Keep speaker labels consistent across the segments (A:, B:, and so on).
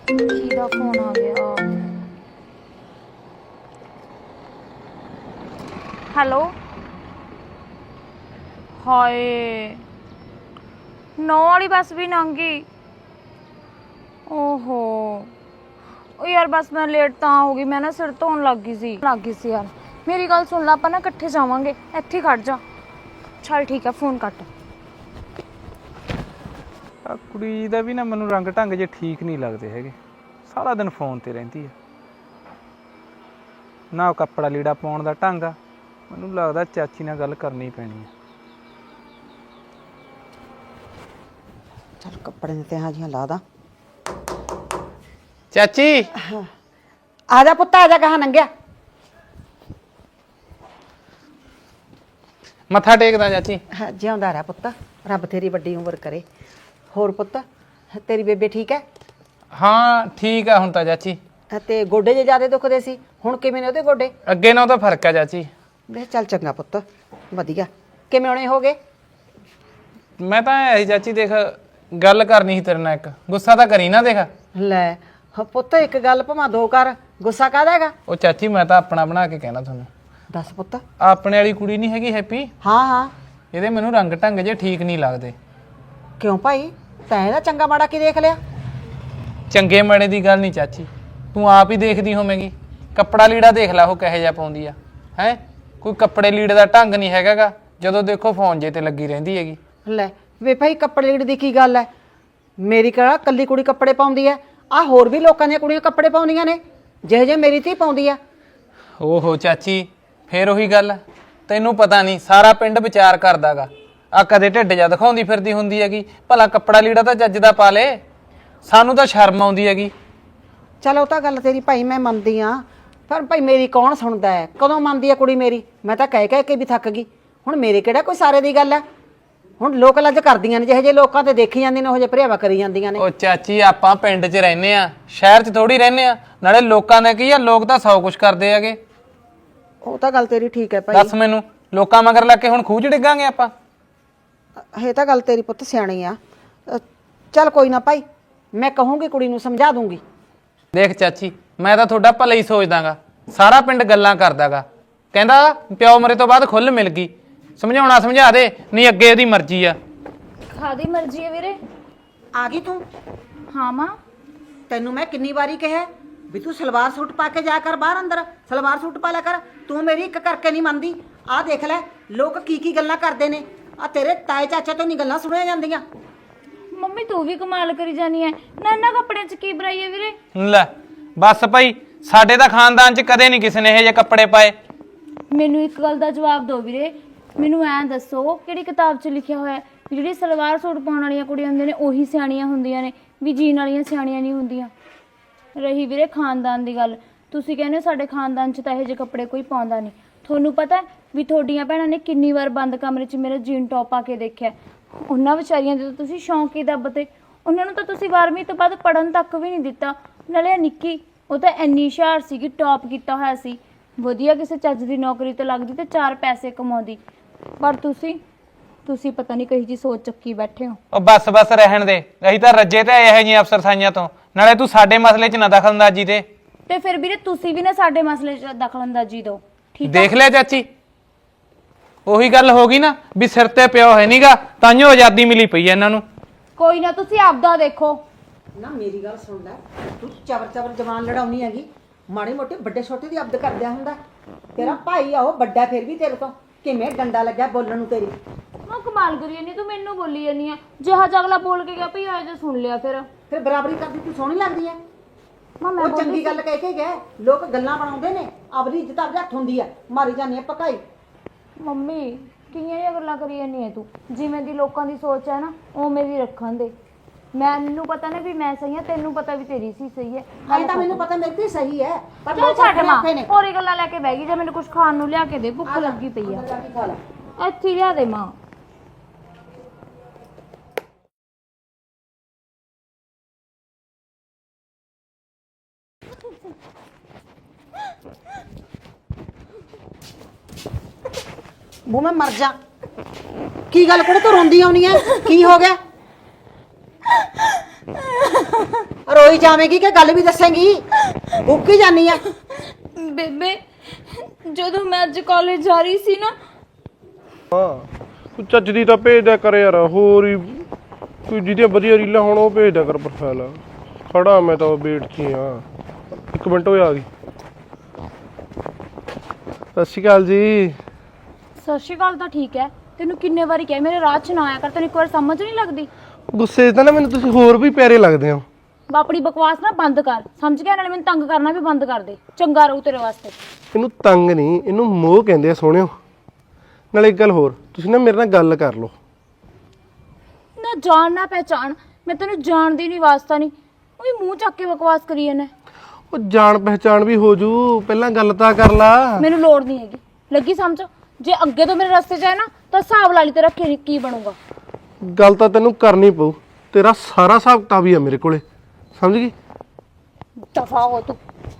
A: ਕਿਹਦਾ ਫੋਨ ਆ ਗਿਆ? ਹੈਲੋ ਹਾਏ 9 ਵਾਲੀ ਬੱਸ ਵੀ ਲੰਘ ਗਈ। ਓਹੋ ਉਹ ਯਾਰ ਬਸ ਮੈਂ ਲੇਟ ਤਾਂ ਹੋ ਗਈ, ਮੈਂ ਨਾ ਸਿਰ ਧੋਣ ਲੱਗ ਗਈ ਸੀ ਯਾਰ। ਮੇਰੀ ਗੱਲ ਸੁਣ ਲਾ, ਆਪਾਂ ਨਾ ਇਕੱਠੇ ਜਾਵਾਂਗੇ, ਇੱਥੇ ਖੜ ਜਾ। ਚੱਲ ਠੀਕ ਹੈ, ਫੋਨ ਕੱਟ।
B: ਆ ਕੁੜੀ ਦਾ ਵੀ ਨਾ ਮੈਨੂੰ ਰੰਗ ਢੰਗ ਜੇ ਠੀਕ ਨਹੀਂ ਲੱਗਦੇ ਹੈਗੇ। ਸਾਰਾ ਦਿਨ ਫੋਨ ਤੇ ਰਹਿੰਦੀ ਆ, ਨਾ ਕੱਪੜਾ ਲੀੜਾ ਪਾਉਣ ਦਾ ਢੰਗ ਆ। ਮੈਨੂੰ ਲੱਗਦਾ ਚਾਚੀ ਨਾਲ ਗੱਲ ਕਰਨੀ ਪੈਣੀ ਆ।
C: ਚੱਲ ਕੱਪੜੇ ਦੇ ਤੇ ਹਾਜੀਆਂ ਲਾ ਦਾਂ।
B: ਚਾਚੀ
C: ਆ ਜਾ ਪੁੱਤ, ਆ ਜਾ, ਕਹਾਂ ਨੰਗਿਆ।
B: ਮੱਥਾ ਟੇਕਦਾ ਚਾਚੀ।
C: ਜਿਉਂਦਾ ਰਹਿ ਪੁੱਤ, ਰੱਬ ਤੇਰੀ ਵੱਡੀ ਉਮਰ ਕਰੇ। ਹੋਰ ਪੁੱਤ, ਤੇਰੀ ਬੇਬੇ ਠੀਕ ਹੈ?
B: ਹਾਂ ਠੀਕ ਆ ਹੁਣ ਤਾਂ ਚਾਚੀ।
C: ਤੇ ਗੋਡੇ ਜੇ ਜ਼ਿਆਦਾ ਦੁਖਦੇ ਸੀ, ਹੁਣ ਕਿਵੇਂ ਨੇ ਉਹਦੇ ਗੋਡੇ?
B: ਅੱਗੇ ਨਾਲੋਂ ਤਾਂ ਫਰਕ ਆ ਚਾਚੀ।
C: ਵੇ ਚੱਲ ਚੰਗਾ ਪੁੱਤ, ਵਧੀਆ। ਕਿਵੇਂ ਹੋਣੇ ਹੋ ਗਏ?
B: ਮੈਂ ਤਾਂ ਐ ਚਾਚੀ, ਦੇਖ ਗੱਲ ਕਰਨੀ ਸੀ ਤੇਰੇ ਨਾਲ ਇੱਕ। ਗੁੱਸਾ ਤਾਂ ਕਰੀ ਨਾ, ਦੇਖ।
C: ਲੈ ਪੁੱਤ, ਇੱਕ ਗੱਲ ਭਾਵੇਂ ਦੋ ਕਰ, ਗੁੱਸਾ ਕਾਹਦਾ ਹੈਗਾ?
B: ਉਹ ਚਾਚੀ ਮੈਂ ਤਾਂ ਆਪਣਾ ਬਣਾ ਕੇ ਕਹਿਣਾ ਤੁਹਾਨੂੰ।
C: ਦੱਸ ਪੁੱਤ।
B: ਆਪਣੇ ਵਾਲੀ ਕੁੜੀ ਨਹੀਂ ਹੈਗੀ ਹੈਪੀ,
C: ਹਾਂ ਹਾਂ।
B: ਇਹਦੇ ਮੈਨੂੰ ਰੰਗ ਢੰਗ ਜੇ ਠੀਕ ਨਹੀਂ ਲੱਗਦੇ।
C: ਕਿਉਂ ਭਾਈ, ਤੈਂ ਇਹਦਾ ਚੰਗਾ ਮਾੜਾ ਕੀ ਦੇਖ ਲਿਆ?
B: ਚੰਗੇ ਮਾੜੇ ਦੀ ਗੱਲ ਨਹੀਂ ਚਾਚੀ, ਤੂੰ ਆਪ ਹੀ ਦੇਖਦੀ ਹੋਵੇਂਗੀ। ਕੱਪੜਾ ਲੀੜਾ ਦੇਖ ਲੈ ਉਹ ਕਿਹੋ ਜਿਹਾ ਪਾਉਂਦੀ ਆ। ਹੈ ਕੋਈ ਕੱਪੜੇ ਲੀੜੇ ਦਾ ਢੰਗ ਨਹੀਂ ਹੈਗਾਗਾ। ਜਦੋਂ ਦੇਖੋ ਫੋਨ ਜੇ ਤੇ ਲੱਗੀ ਰਹਿੰਦੀ ਹੈਗੀ।
C: ਲੈ ਵੇ ਭਾਈ, ਕੱਪੜੇ ਲੀੜੇ ਦੀ ਕੀ ਗੱਲ ਹੈ? ਮੇਰੀ ਕਿਹੜਾ ਕੱਲੀ ਕੁੜੀ ਕੱਪੜੇ ਪਾਉਂਦੀ ਹੈ? ਆ ਹੋਰ ਵੀ ਲੋਕਾਂ ਦੀਆਂ ਕੁੜੀਆਂ ਕੱਪੜੇ ਪਾਉਂਦੀਆਂ ਨੇ, ਜਿਹੇ ਜਿਹੇ ਮੇਰੀ ਧੀ ਪਾਉਂਦੀ ਆ।
B: ਓਹੋ ਚਾਚੀ, ਫੇਰ ਉਹੀ ਗੱਲ। ਤੈਨੂੰ ਪਤਾ ਨਹੀਂ, ਸਾਰਾ ਪਿੰਡ ਵਿਚਾਰ ਕਰਦਾਗਾ। ਆ ਕਦੇ ਢਿੱਡ ਜਾ ਦਿਖਾਉਂਦੀ ਫਿਰਦੀ ਹੁੰਦੀ ਹੈਗੀ। ਭਲਾ ਕੱਪੜਾ ਲੀੜਾ ਤਾਂ ਚੱਜ ਦਾ ਪਾ ਲੇ, ਸਾਨੂੰ ਤਾਂ ਸ਼ਰਮ ਆਉਂਦੀ ਹੈਗੀ।
C: ਚਲ ਉਹ ਤਾਂ ਗੱਲ ਤੇਰੀ ਭਾਈ ਮੈਂ ਮੰਨਦੀ ਆ, ਪਰ ਭਾਈ ਮੇਰੀ ਕੌਣ ਸੁਣਦਾ ਹੈ? ਕਦੋਂ ਮੰਨਦੀ ਆ ਕੁੜੀ ਮੇਰੀ? ਮੈਂ ਤਾਂ ਕਹਿ ਕੇ ਵੀ ਥੱਕ ਗਈ। ਹੁਣ ਮੇਰੇ ਕਿਹੜਾ ਕੋਈ ਸਾਰੇ ਦੀ ਗੱਲ ਹੈ? ਹੁਣ ਲੋਕ ਲੱਜ ਕਰਦੀਆਂ ਨੇ, ਜਿਹੇ ਜਿਹੇ ਲੋਕਾਂ ਤੇ ਦੇਖੀ ਜਾਂਦੀਆਂ ਨੇ ਉਹ ਜਿਹੇ ਭਰੇਵਾ ਕਰੀ ਜਾਂਦੀਆਂ ਨੇ।
B: ਉਹ ਚਾਚੀ ਆਪਾਂ ਪਿੰਡ 'ਚ ਰਹਿੰਦੇ ਆ, ਸ਼ਹਿਰ 'ਚ ਥੋੜੀ ਰਹਿੰਦੇ ਆ। ਨਾਲੇ ਲੋਕਾਂ ਦਾ ਕੀ ਆ, ਲੋਕ ਤਾਂ ਸੌ ਕੁਛ ਕਰਦੇ ਹੈਗੇ।
C: ਉਹ ਤਾਂ ਗੱਲ ਤੇਰੀ ਠੀਕ ਹੈ ਭਾਈ।
B: ਦੱਸ ਮੈਨੂੰ, ਲੋਕਾਂ ਮਗਰ ਲੱਗ ਕੇ ਹੁਣ ਖੂਹ 'ਚ ਡਿੱਗਾਂਗੇ ਆਪਾਂ?
C: ਇਹ ਤਾਂ ਗੱਲ ਤੇਰੀ ਪੁੱਤ ਸਿਆਣੀ ਆ। ਚੱਲ ਕੋਈ ਨਾ ਭਾਈ, ਮੈਂ ਕਹੂੰਗੀ ਕੁੜੀ ਨੂੰ, ਸਮਝਾ ਦੂੰਗੀ।
B: ਦੇਖ ਚਾਚੀ, ਮੈਂ ਤਾਂ ਤੁਹਾਡਾ ਭਲਾ ਹੀ ਸੋਚਦਾਗਾ। ਸਾਰਾ ਪਿੰਡ ਗੱਲਾਂ ਕਰਦਾਗਾ, ਕਹਿੰਦਾ ਪਿਓ ਮਰੇ ਤੋਂ ਬਾਅਦ ਖੁੱਲ ਮਿਲ ਗਈ। ਸਮਝਾਉਣਾ ਸਮਝਾ ਦੇ, ਨਹੀਂ ਅੱਗੇ ਇਹਦੀ ਮਰਜ਼ੀ ਆ।
A: ਖਾਦੀ ਮਰਜ਼ੀ ਹੈ ਵੀਰੇ।
C: ਆ ਗਈ ਤੂੰ?
A: ਹਾਂ ਮਾਂ।
C: ਤੈਨੂੰ ਮੈਂ ਕਿੰਨੀ ਵਾਰੀ ਕਿਹਾ ਵੀ ਤੂੰ ਸਲਵਾਰ ਸੂਟ ਪਾ ਕੇ ਜਾ ਕਰ ਬਾਹਰ ਅੰਦਰ, ਸਲਵਾਰ ਸੂਟ ਪਾ ਲਿਆ ਕਰ। ਤੂੰ ਮੇਰੀ ਇੱਕ ਕਰਕੇ ਨਹੀਂ ਮੰਨਦੀ। ਆਹ ਦੇਖ ਲੈ ਲੋਕ ਕੀ ਕੀ ਗੱਲਾਂ ਕਰਦੇ ਨੇ। ਆ ਤੇਰੇ ਤਾਏ ਚਾਚੇ ਤੋਂ ਨਹੀਂ ਗੱਲਾਂ ਸੁਣੀਆਂ ਜਾਂਦੀਆਂ।
A: ਮੰਮੀ ਤੂੰ ਵੀ ਕਮਾਲ ਕਰੀ ਜਾਨੀ ਐ। ਨਾ ਕੱਪੜਿਆਂ 'ਚ ਕੀ ਬੁਰਾਈ ਹੈ ਵੀਰੇ?
B: ਲੈ ਬਸ ਭਾਈ, ਸਾਡੇ ਤਾਂ ਖਾਨਦਾਨ 'ਚ ਕਦੇ ਨਹੀਂ ਕਿਸੇ ਨੇ ਇਹੋ ਜਿਹੇ ਕੱਪੜੇ ਪਾਏ।
A: ਮੈਨੂੰ ਇੱਕ ਗੱਲ ਦਾ ਜਵਾਬ ਦਿਓ ਵੀਰੇ। ਮੈਨੂੰ ਐਂ ਦੱਸੋ, ਕਿਹੜੀ ਕਿਤਾਬ 'ਚ ਲਿਖਿਆ ਹੋਇਆ ਵੀ ਜਿਹੜੀ ਸਲਵਾਰ ਸੂਟ ਪਾਉਣ ਵਾਲੀਆਂ ਕੁੜੀਆਂ ਹੁੰਦੀਆਂ ਨੇ ਉਹੀ ਸਿਆਣੀਆਂ ਹੁੰਦੀਆਂ ਨੇ, ਵੀ ਜੀਣ ਵਾਲੀਆਂ ਸਿਆਣੀਆਂ ਨਹੀਂ ਹੁੰਦੀਆਂ? ਰਹੀ ਵੀਰੇ ਖਾਨਦਾਨ ਦੀ ਗੱਲ, ਤੁਸੀਂ ਕਹਿੰਦੇ ਹੋ ਸਾਡੇ ਖਾਨਦਾਨ 'ਚ ਤਾਂ ਇਹੋ ਜਿਹੇ ਕੱਪੜੇ ਕੋਈ ਪਾਉਂਦਾ ਨਹੀਂ। ਤੁਹਾਨੂੰ ਪਤਾ ਵੀ ਤੁਹਾਡੀਆਂ ਭੈਣਾਂ ਨੇ ਕਿੰਨੀ ਵਾਰ ਬੰਦ ਕਮਰੇ 'ਚ ਮੇਰਾ ਜੀਨ ਟੌਪ ਪਾ ਕੇ ਦੇਖਿਆ। ਉਹਨਾਂ ਵਿਚਾਰੀਆਂ ਦੇ ਤਾਂ ਤੁਸੀਂ ਸ਼ੌਂਕ ਹੀ ਦੱਬਤੇ। ਉਹਨਾਂ ਨੂੰ ਤਾਂ ਤੁਸੀਂ 12ਵੀਂ ਤੋਂ ਬਾਅਦ ਪੜ੍ਹਨ ਤੱਕ ਵੀ ਨਹੀਂ ਦਿੱਤਾ। ਨਾਲੇ ਨਿੱਕੀ, ਉਹ ਤਾਂ ਇੰਨੀ ਹੁਸ਼ਿਆਰ ਸੀਗੀ, ਟੌਪ ਕੀਤਾ ਹੋਇਆ ਸੀ, ਵਧੀਆ ਕਿਸੇ ਚੱਜ ਦੀ ਨੌਕਰੀ ਤੇ ਲੱਗਦੀ ਤੇ 4 ਪੈਸੇ ਕਮਾਉਂਦੀ। ਪਰ ਤੁਸੀਂ ਪਤਾ ਨਹੀਂ ਕਹੀ ਜੀ ਸੋਚ ਚੱਕੀ ਬੈਠੇ ਹੋ।
B: ਉਹ ਬਸ ਰਹਿਣ ਦੇ, ਅਸੀਂ ਤਾਂ ਰੱਜੇ ਤੇ ਇਹੋ ਜਿਹੀਆਂ ਅਫਸਰਸਾਈਆਂ ਤੋਂ। ਨਾਲੇ ਤੂੰ ਸਾਡੇ ਮਸਲੇ 'ਚ ਨਾ ਦਖਲਅੰਦਾਜ਼ੀ ਦੇ।
A: ਤੇ ਫਿਰ ਵੀਰੇ ਤੁਸੀਂ ਵੀ ਨਾ ਸਾਡੇ ਮਸਲੇ 'ਚ ਦਖਲਅੰਦਾਜ਼ੀ ਦਿਓ, ਠੀਕ ਹੈ?
B: ਦੇਖ ਲਿਆ ਚਾਚੀ, ਉਹੀ ਗੱਲ ਹੋ ਗਈ ਨਾ ਵੀ ਸਿਰ ਤੇ ਪਿਓ ਹੈ ਨਹੀਂਗਾ, ਤਾਂਹੀਓ ਆਜ਼ਾਦੀ ਮਿਲੀ ਪਈ ਹੈ ਇਹਨਾਂ ਨੂੰ।
A: ਕੋਈ ਨਾ, ਤੁਸੀਂ ਆਪਦਾ ਦੇਖੋ
C: ਨਾ। ਮੇਰੀ ਗੱਲ ਸੁਣ ਲੈ, ਤੂੰ ਚਬਰ ਜਵਾਨ ਲੜਾਉਣੀ ਹੈਗੀ। ਮਾੜੇ ਮੋਟੇ ਵੱਡੇ ਛੋਟੇ ਦੀ ਅਬਦ ਕਰਦਿਆ ਹੁੰਦਾ। ਤੇਰਾ ਭਾਈ ਆ, ਉਹ ਵੱਡਾ ਫਿਰ ਵੀ ਤੇਰੇ ਤੋਂ। ਕਿਵੇਂ ਡੰਡਾ ਲੱਗਿਆ ਬੋਲਣ ਨੂੰ ਤੇਰੀ?
A: ਮੈਂ ਕਮਾਲ ਕਰੀ ਜਾਂਦੀ, ਤੂੰ ਮੈਨੂੰ ਬੋਲੀ ਜਾਂਦੀ ਆ। ਜਿਹਾ ਅਗਲਾ ਬੋਲ ਕੇ ਗਿਆ ਭਈ ਆ ਜੇ ਸੁਣ ਲਿਆ। ਫਿਰ
C: ਬਰਾਬਰੀ ਕਰਦੀ ਤੂੰ ਸੋਹਣੀ ਲੱਗਦੀ ਐ।
A: ਮੈਂ
C: ਉਹ ਚੰਗੀ ਗੱਲ ਕਹਿ ਕੇ ਗਏ, ਲੋਕ ਗੱਲਾਂ ਬਣਾਉਂਦੇ ਨੇ। ਆਪਣੀ ਇੱਜ਼ਤ ਆਪਦੇ ਹੱਥ ਹੁੰਦੀ ਆ, ਮਾਰੀ ਜਾਂਦੀ ਆ ਪਕਾਈ।
A: ਮੰਮੀ ਕਿੰਨੀਆਂ ਜਿਹੀਆਂ ਗੱਲਾਂ ਕਰੀ ਜਾਂਦੀ ਹੈ ਤੂੰ? ਜਿਵੇਂ ਦੀ ਲੋਕਾਂ ਦੀ ਸੋਚ ਹੈ ਨਾ, ਉਵੇਂ ਦੀ ਰੱਖਣ ਦੇ। ਮੈਨੂੰ ਪਤਾ ਨਾ ਵੀ ਮੈਂ ਸਹੀ ਹਾਂ, ਤੈਨੂੰ ਪਤਾ ਵੀ ਤੇਰੀ ਸੀ ਸਹੀ ਹੈ।
C: ਐਂ ਤਾਂ ਮੈਨੂੰ ਪਤਾ ਮੇਰੀ ਤੇ ਸਹੀ ਹੈ, ਪਰ
A: ਚੱਲ ਛੱਡ ਮਾਂ, ਹੋਰੀ ਗੱਲਾਂ ਲੈ ਕੇ ਬਹਿ ਗਈ। ਜੇ ਮੈਨੂੰ ਕੁਝ ਖਾਣ ਨੂੰ ਲਿਆ ਕੇ ਦੇ, ਭੁੱਖ ਲੱਗੀ ਪਈ ਆ। ਇੱਥੇ ਲਿਆ ਦੇ ਮਾਂ।
C: ਮੂੰਹ ਮੈਂ ਮਰ ਜਾ। ਕੀ ਗੱਲ ਕੁੜੇ, ਤੂੰ ਰੋਂਦੀ ਆਉਣੀ ਐ? ਕੀ ਹੋ ਗਿਆ? ਰੋਈ ਜਾਵੇਂਗੀ ਕਿ ਗੱਲ ਵੀ ਦੱਸੇਂਗੀ? ਉੱਕੀ ਜਾਨੀ ਆ।
A: ਬੇਬੇ ਜਦੋਂ ਮੈਂ ਅੱਜ ਕਾਲਜ ਜਾ ਰਹੀ ਸੀ ਨਾ,
D: ਹਾਂ ਤੂੰ ਚੱਜ ਦੀ ਤਾਂ ਭੇਜ ਦਿਆ ਕਰ ਯਾਰ, ਹੋਰ ਹੀ ਕੋਈ ਜਿਹਦੀਆਂ ਵਧੀਆ ਰੀਲਾਂ ਹੋਣ ਉਹ ਭੇਜ ਦਿਆ ਕਰ ਪ੍ਰੋਫਾਈਲ। ਖੜਾ ਮੈਂ ਤਾਂ ਵੇਟ 'ਚ ਹੀ ਆ। 1 ਮਿੰਟ ਹੋਇਆ ਆ ਗਈ। ਸਤਿ ਸ਼੍ਰੀ ਅਕਾਲ ਜੀ।
A: ਸਤਿ ਸ਼੍ਰੀ ਅਕਾਲ ਤਾਂ ਠੀਕ ਹੈ, ਤੈਨੂੰ ਕਿੰਨੇ ਵਾਰੀ ਕਿਹਾ ਮੇਰੇ ਰਾਹ 'ਚ ਨਾ ਆਇਆ ਕਰ, ਤੈਨੂੰ ਇੱਕ ਵਾਰ ਸਮਝ ਨਹੀਂ ਲੱਗਦੀ?
D: ਗੁੱਸੇ 'ਚ ਤਾਂ ਨਾ ਮੈਨੂੰ ਤੁਸੀਂ ਹੋਰ ਵੀ ਪਿਆਰੇ ਲੱਗਦੇ ਹੋ।
A: ਆਪਣੀ ਬਕਵਾਸ ਨਾ ਬੰਦ ਕਰ, ਸਮਝ ਗਿਆ? ਨਾਲੇ ਮੈਨੂੰ ਤੰਗ ਕਰਨਾ ਵੀ ਬੰਦ ਕਰ ਦੇ, ਚੰਗਾ ਰਹੂ ਤੇਰੇ ਵਾਸਤੇ।
D: ਇਹਨੂੰ ਤੰਗ ਨਹੀਂ, ਇਹਨੂੰ ਮੋਹ ਕਹਿੰਦੇ ਆ ਸੋਹਣਿਓ। ਨਾਲੇ ਇੱਕ ਗੱਲ ਹੋਰ, ਤੁਸੀਂ ਨਾ ਮੇਰੇ ਨਾਲ ਗੱਲ ਕਰ ਲਓ।
A: ਨਾ ਜਾਣ ਨਾ ਪਹਿਚਾਣ, ਮੈਂ ਤੈਨੂੰ ਜਾਣਦੀ ਨਹੀਂ, ਵਾਸਤਾ ਨਹੀਂ, ਉਹ ਵੀ ਮੂੰਹ ਚੱਕ ਕੇ ਬਕਵਾਸ ਕਰੀ ਇਹਨੇ।
D: ਉਹ ਜਾਣ ਪਹਿਚਾਣ ਵੀ ਹੋ ਜੂ, ਪਹਿਲਾਂ ਗੱਲ ਤਾਂ ਕਰ ਲਾ।
A: ਮੈਨੂੰ ਲੋੜ ਨਹੀਂ ਹੈਗੀ, ਲੱਗੀ ਸਮਝ? ਜੇ ਅੱਗੇ ਤੋਂ ਮੇਰੇ ਰਸਤੇ 'ਚ ਆਏ ਨਾ ਤਾਂ ਹਿਸਾਬ ਲਾ ਲਈ ਤੇਰਾ ਕੀ ਬਣੂਗਾ।
D: ਗੱਲ ਤਾਂ ਤੈਨੂੰ ਕਰਨੀ ਪਊ, ਤੇਰਾ ਸਾਰਾ ਹਿਸਾਬ ਕਿਤਾਬ ਹੀ ਆ ਮੇਰੇ ਕੋਲੇ, ਸਮਝ ਗਈ?
A: ਦਫਾ ਹੋ ਤੂੰ।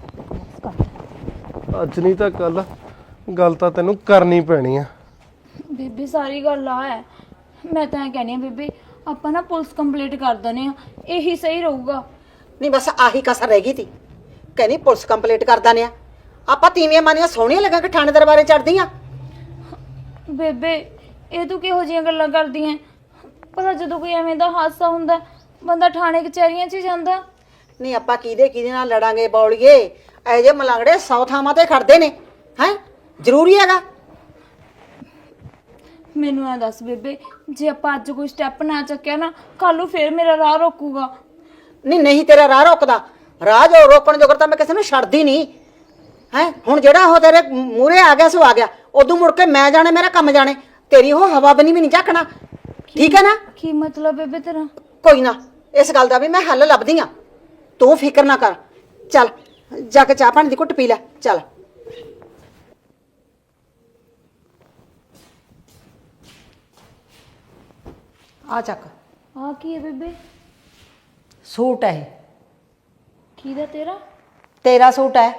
D: ਅੱਜ ਨਹੀਂ ਤਾਂ ਕੱਲ ਗੱਲ ਤਾਂ ਤੈਨੂੰ ਕਰਨੀ ਪੈਣੀ ਆ।
A: ਬੀਬੀ ਸਾਰੀ ਗੱਲ ਆ ਹੈ, ਮੈਂ ਤਾਂ ਇਹ ਕਹਿੰਦੀ ਆ ਬੀਬੀ, ਆਪਾਂ ਨਾ ਪੁਲਿਸ ਕੰਪਲੀਟ ਕਰ ਦਨੇ ਆ, ਇਹੀ ਸਹੀ ਰਹੂਗਾ।
C: ਨਹੀਂ ਬਸ ਆਹੀ ਕਸਰ ਰਹਿ ਗਈ ਤੀ, ਕਹਿੰਦੀ ਪੁਲਿਸ ਕੰਪਲੀਟ ਕਰ ਦਾਨੇ ਆ। ਆਪਾਂ ਤੀਵੀਆਂ ਮਾਨੀਆਂ ਸੋਹਣੀਆਂ ਲੱਗਾ ਕਿ ਥਾਣੇ ਦਰਬਾਰੇ ਚੜਦੀਆਂ।
A: ਬੇਬੇ ਇਹ ਤੂੰ ਕਿਹੋ ਜਿਹੀਆਂ ਗੱਲਾਂ ਕਰਦੀ ਐ? ਭਲਾ ਜਦੋਂ ਕੋਈ ਐਵੇਂ ਦਾ ਹਾਦਸਾ ਹੁੰਦਾ ਬੰਦਾ ਥਾਣੇ ਕਚਹਿਰੀਆਂ 'ਚ ਹੀ ਜਾਂਦਾ।
C: ਨਹੀਂ ਆਪਾਂ ਕਿਹਦੇ ਨਾਲ ਲੜਾਂਗੇ ਬੌਲੀਏ? ਇਹ ਜੇ ਮਲੰਗੜੇ 100 ਥਾਵਾਂ ਤੇ ਖੜਦੇ ਨੇ, ਹੈ ਜ਼ਰੂਰੀ ਹੈਗਾ?
A: ਮੈਨੂੰ ਐ ਦੱਸ ਬੇਬੇ, ਜੇ ਆਪਾਂ ਅੱਜ ਕੋਈ ਸਟੈਪ ਨਾ ਚੱਕਿਆ ਨਾ, ਕੱਲ ਨੂੰ ਫੇਰ ਮੇਰਾ ਰਾਹ ਰੋਕੂਗਾ।
C: ਨਹੀਂ ਤੇਰਾ ਰਾਹ ਰੋਕਦਾ, ਰਾਹ ਜੋ ਰੋਕਣ ਜੋਗਰ ਤਾਂ ਮੈਂ ਕਿਸੇ ਨੂੰ ਛੱਡਦੀ ਨਹੀਂ ਹੈ। ਹੁਣ ਜਿਹੜਾ ਉਹ ਤੇਰੇ ਮੂਹਰੇ ਆ ਗਿਆ ਸੋ ਆ ਗਿਆ, ਉਦੋਂ ਮੁੜ ਕੇ ਮੈਂ ਜਾਣੇ, ਮੇਰਾ ਕੰਮ ਜਾਣੇ, ਤੇਰੀ ਉਹ ਹਵਾ ਬਣੀ ਵੀ ਨਹੀਂ ਝਾਕਣਾ, ਠੀਕ ਹੈ ਨਾ?
A: ਕੀ ਮਤਲਬ ਬੇਬੇ ਤੇਰਾ?
C: ਕੋਈ ਨਾ, ਇਸ ਗੱਲ ਦਾ ਵੀ ਮੈਂ ਹੱਲ ਲੱਭਦੀ ਆ, ਤੂੰ ਫਿਕਰ ਨਾ ਕਰ। ਚੱਲ ਜਾ ਕੇ ਚਾਹ ਪਾਣੀ ਦੀ ਘੁੱਟ ਪੀ ਲੈ, ਚੱਲ। ਆ ਚੱਕ,
A: ਆ ਕੀ ਹੈ ਬੇਬੇ?
C: ਸੂਟ ਹੈ ਇਹ।
A: ਕਿਹਦਾ? ਤੇਰਾ?
C: ਤੇਰਾ ਸੂਟ ਹੈ।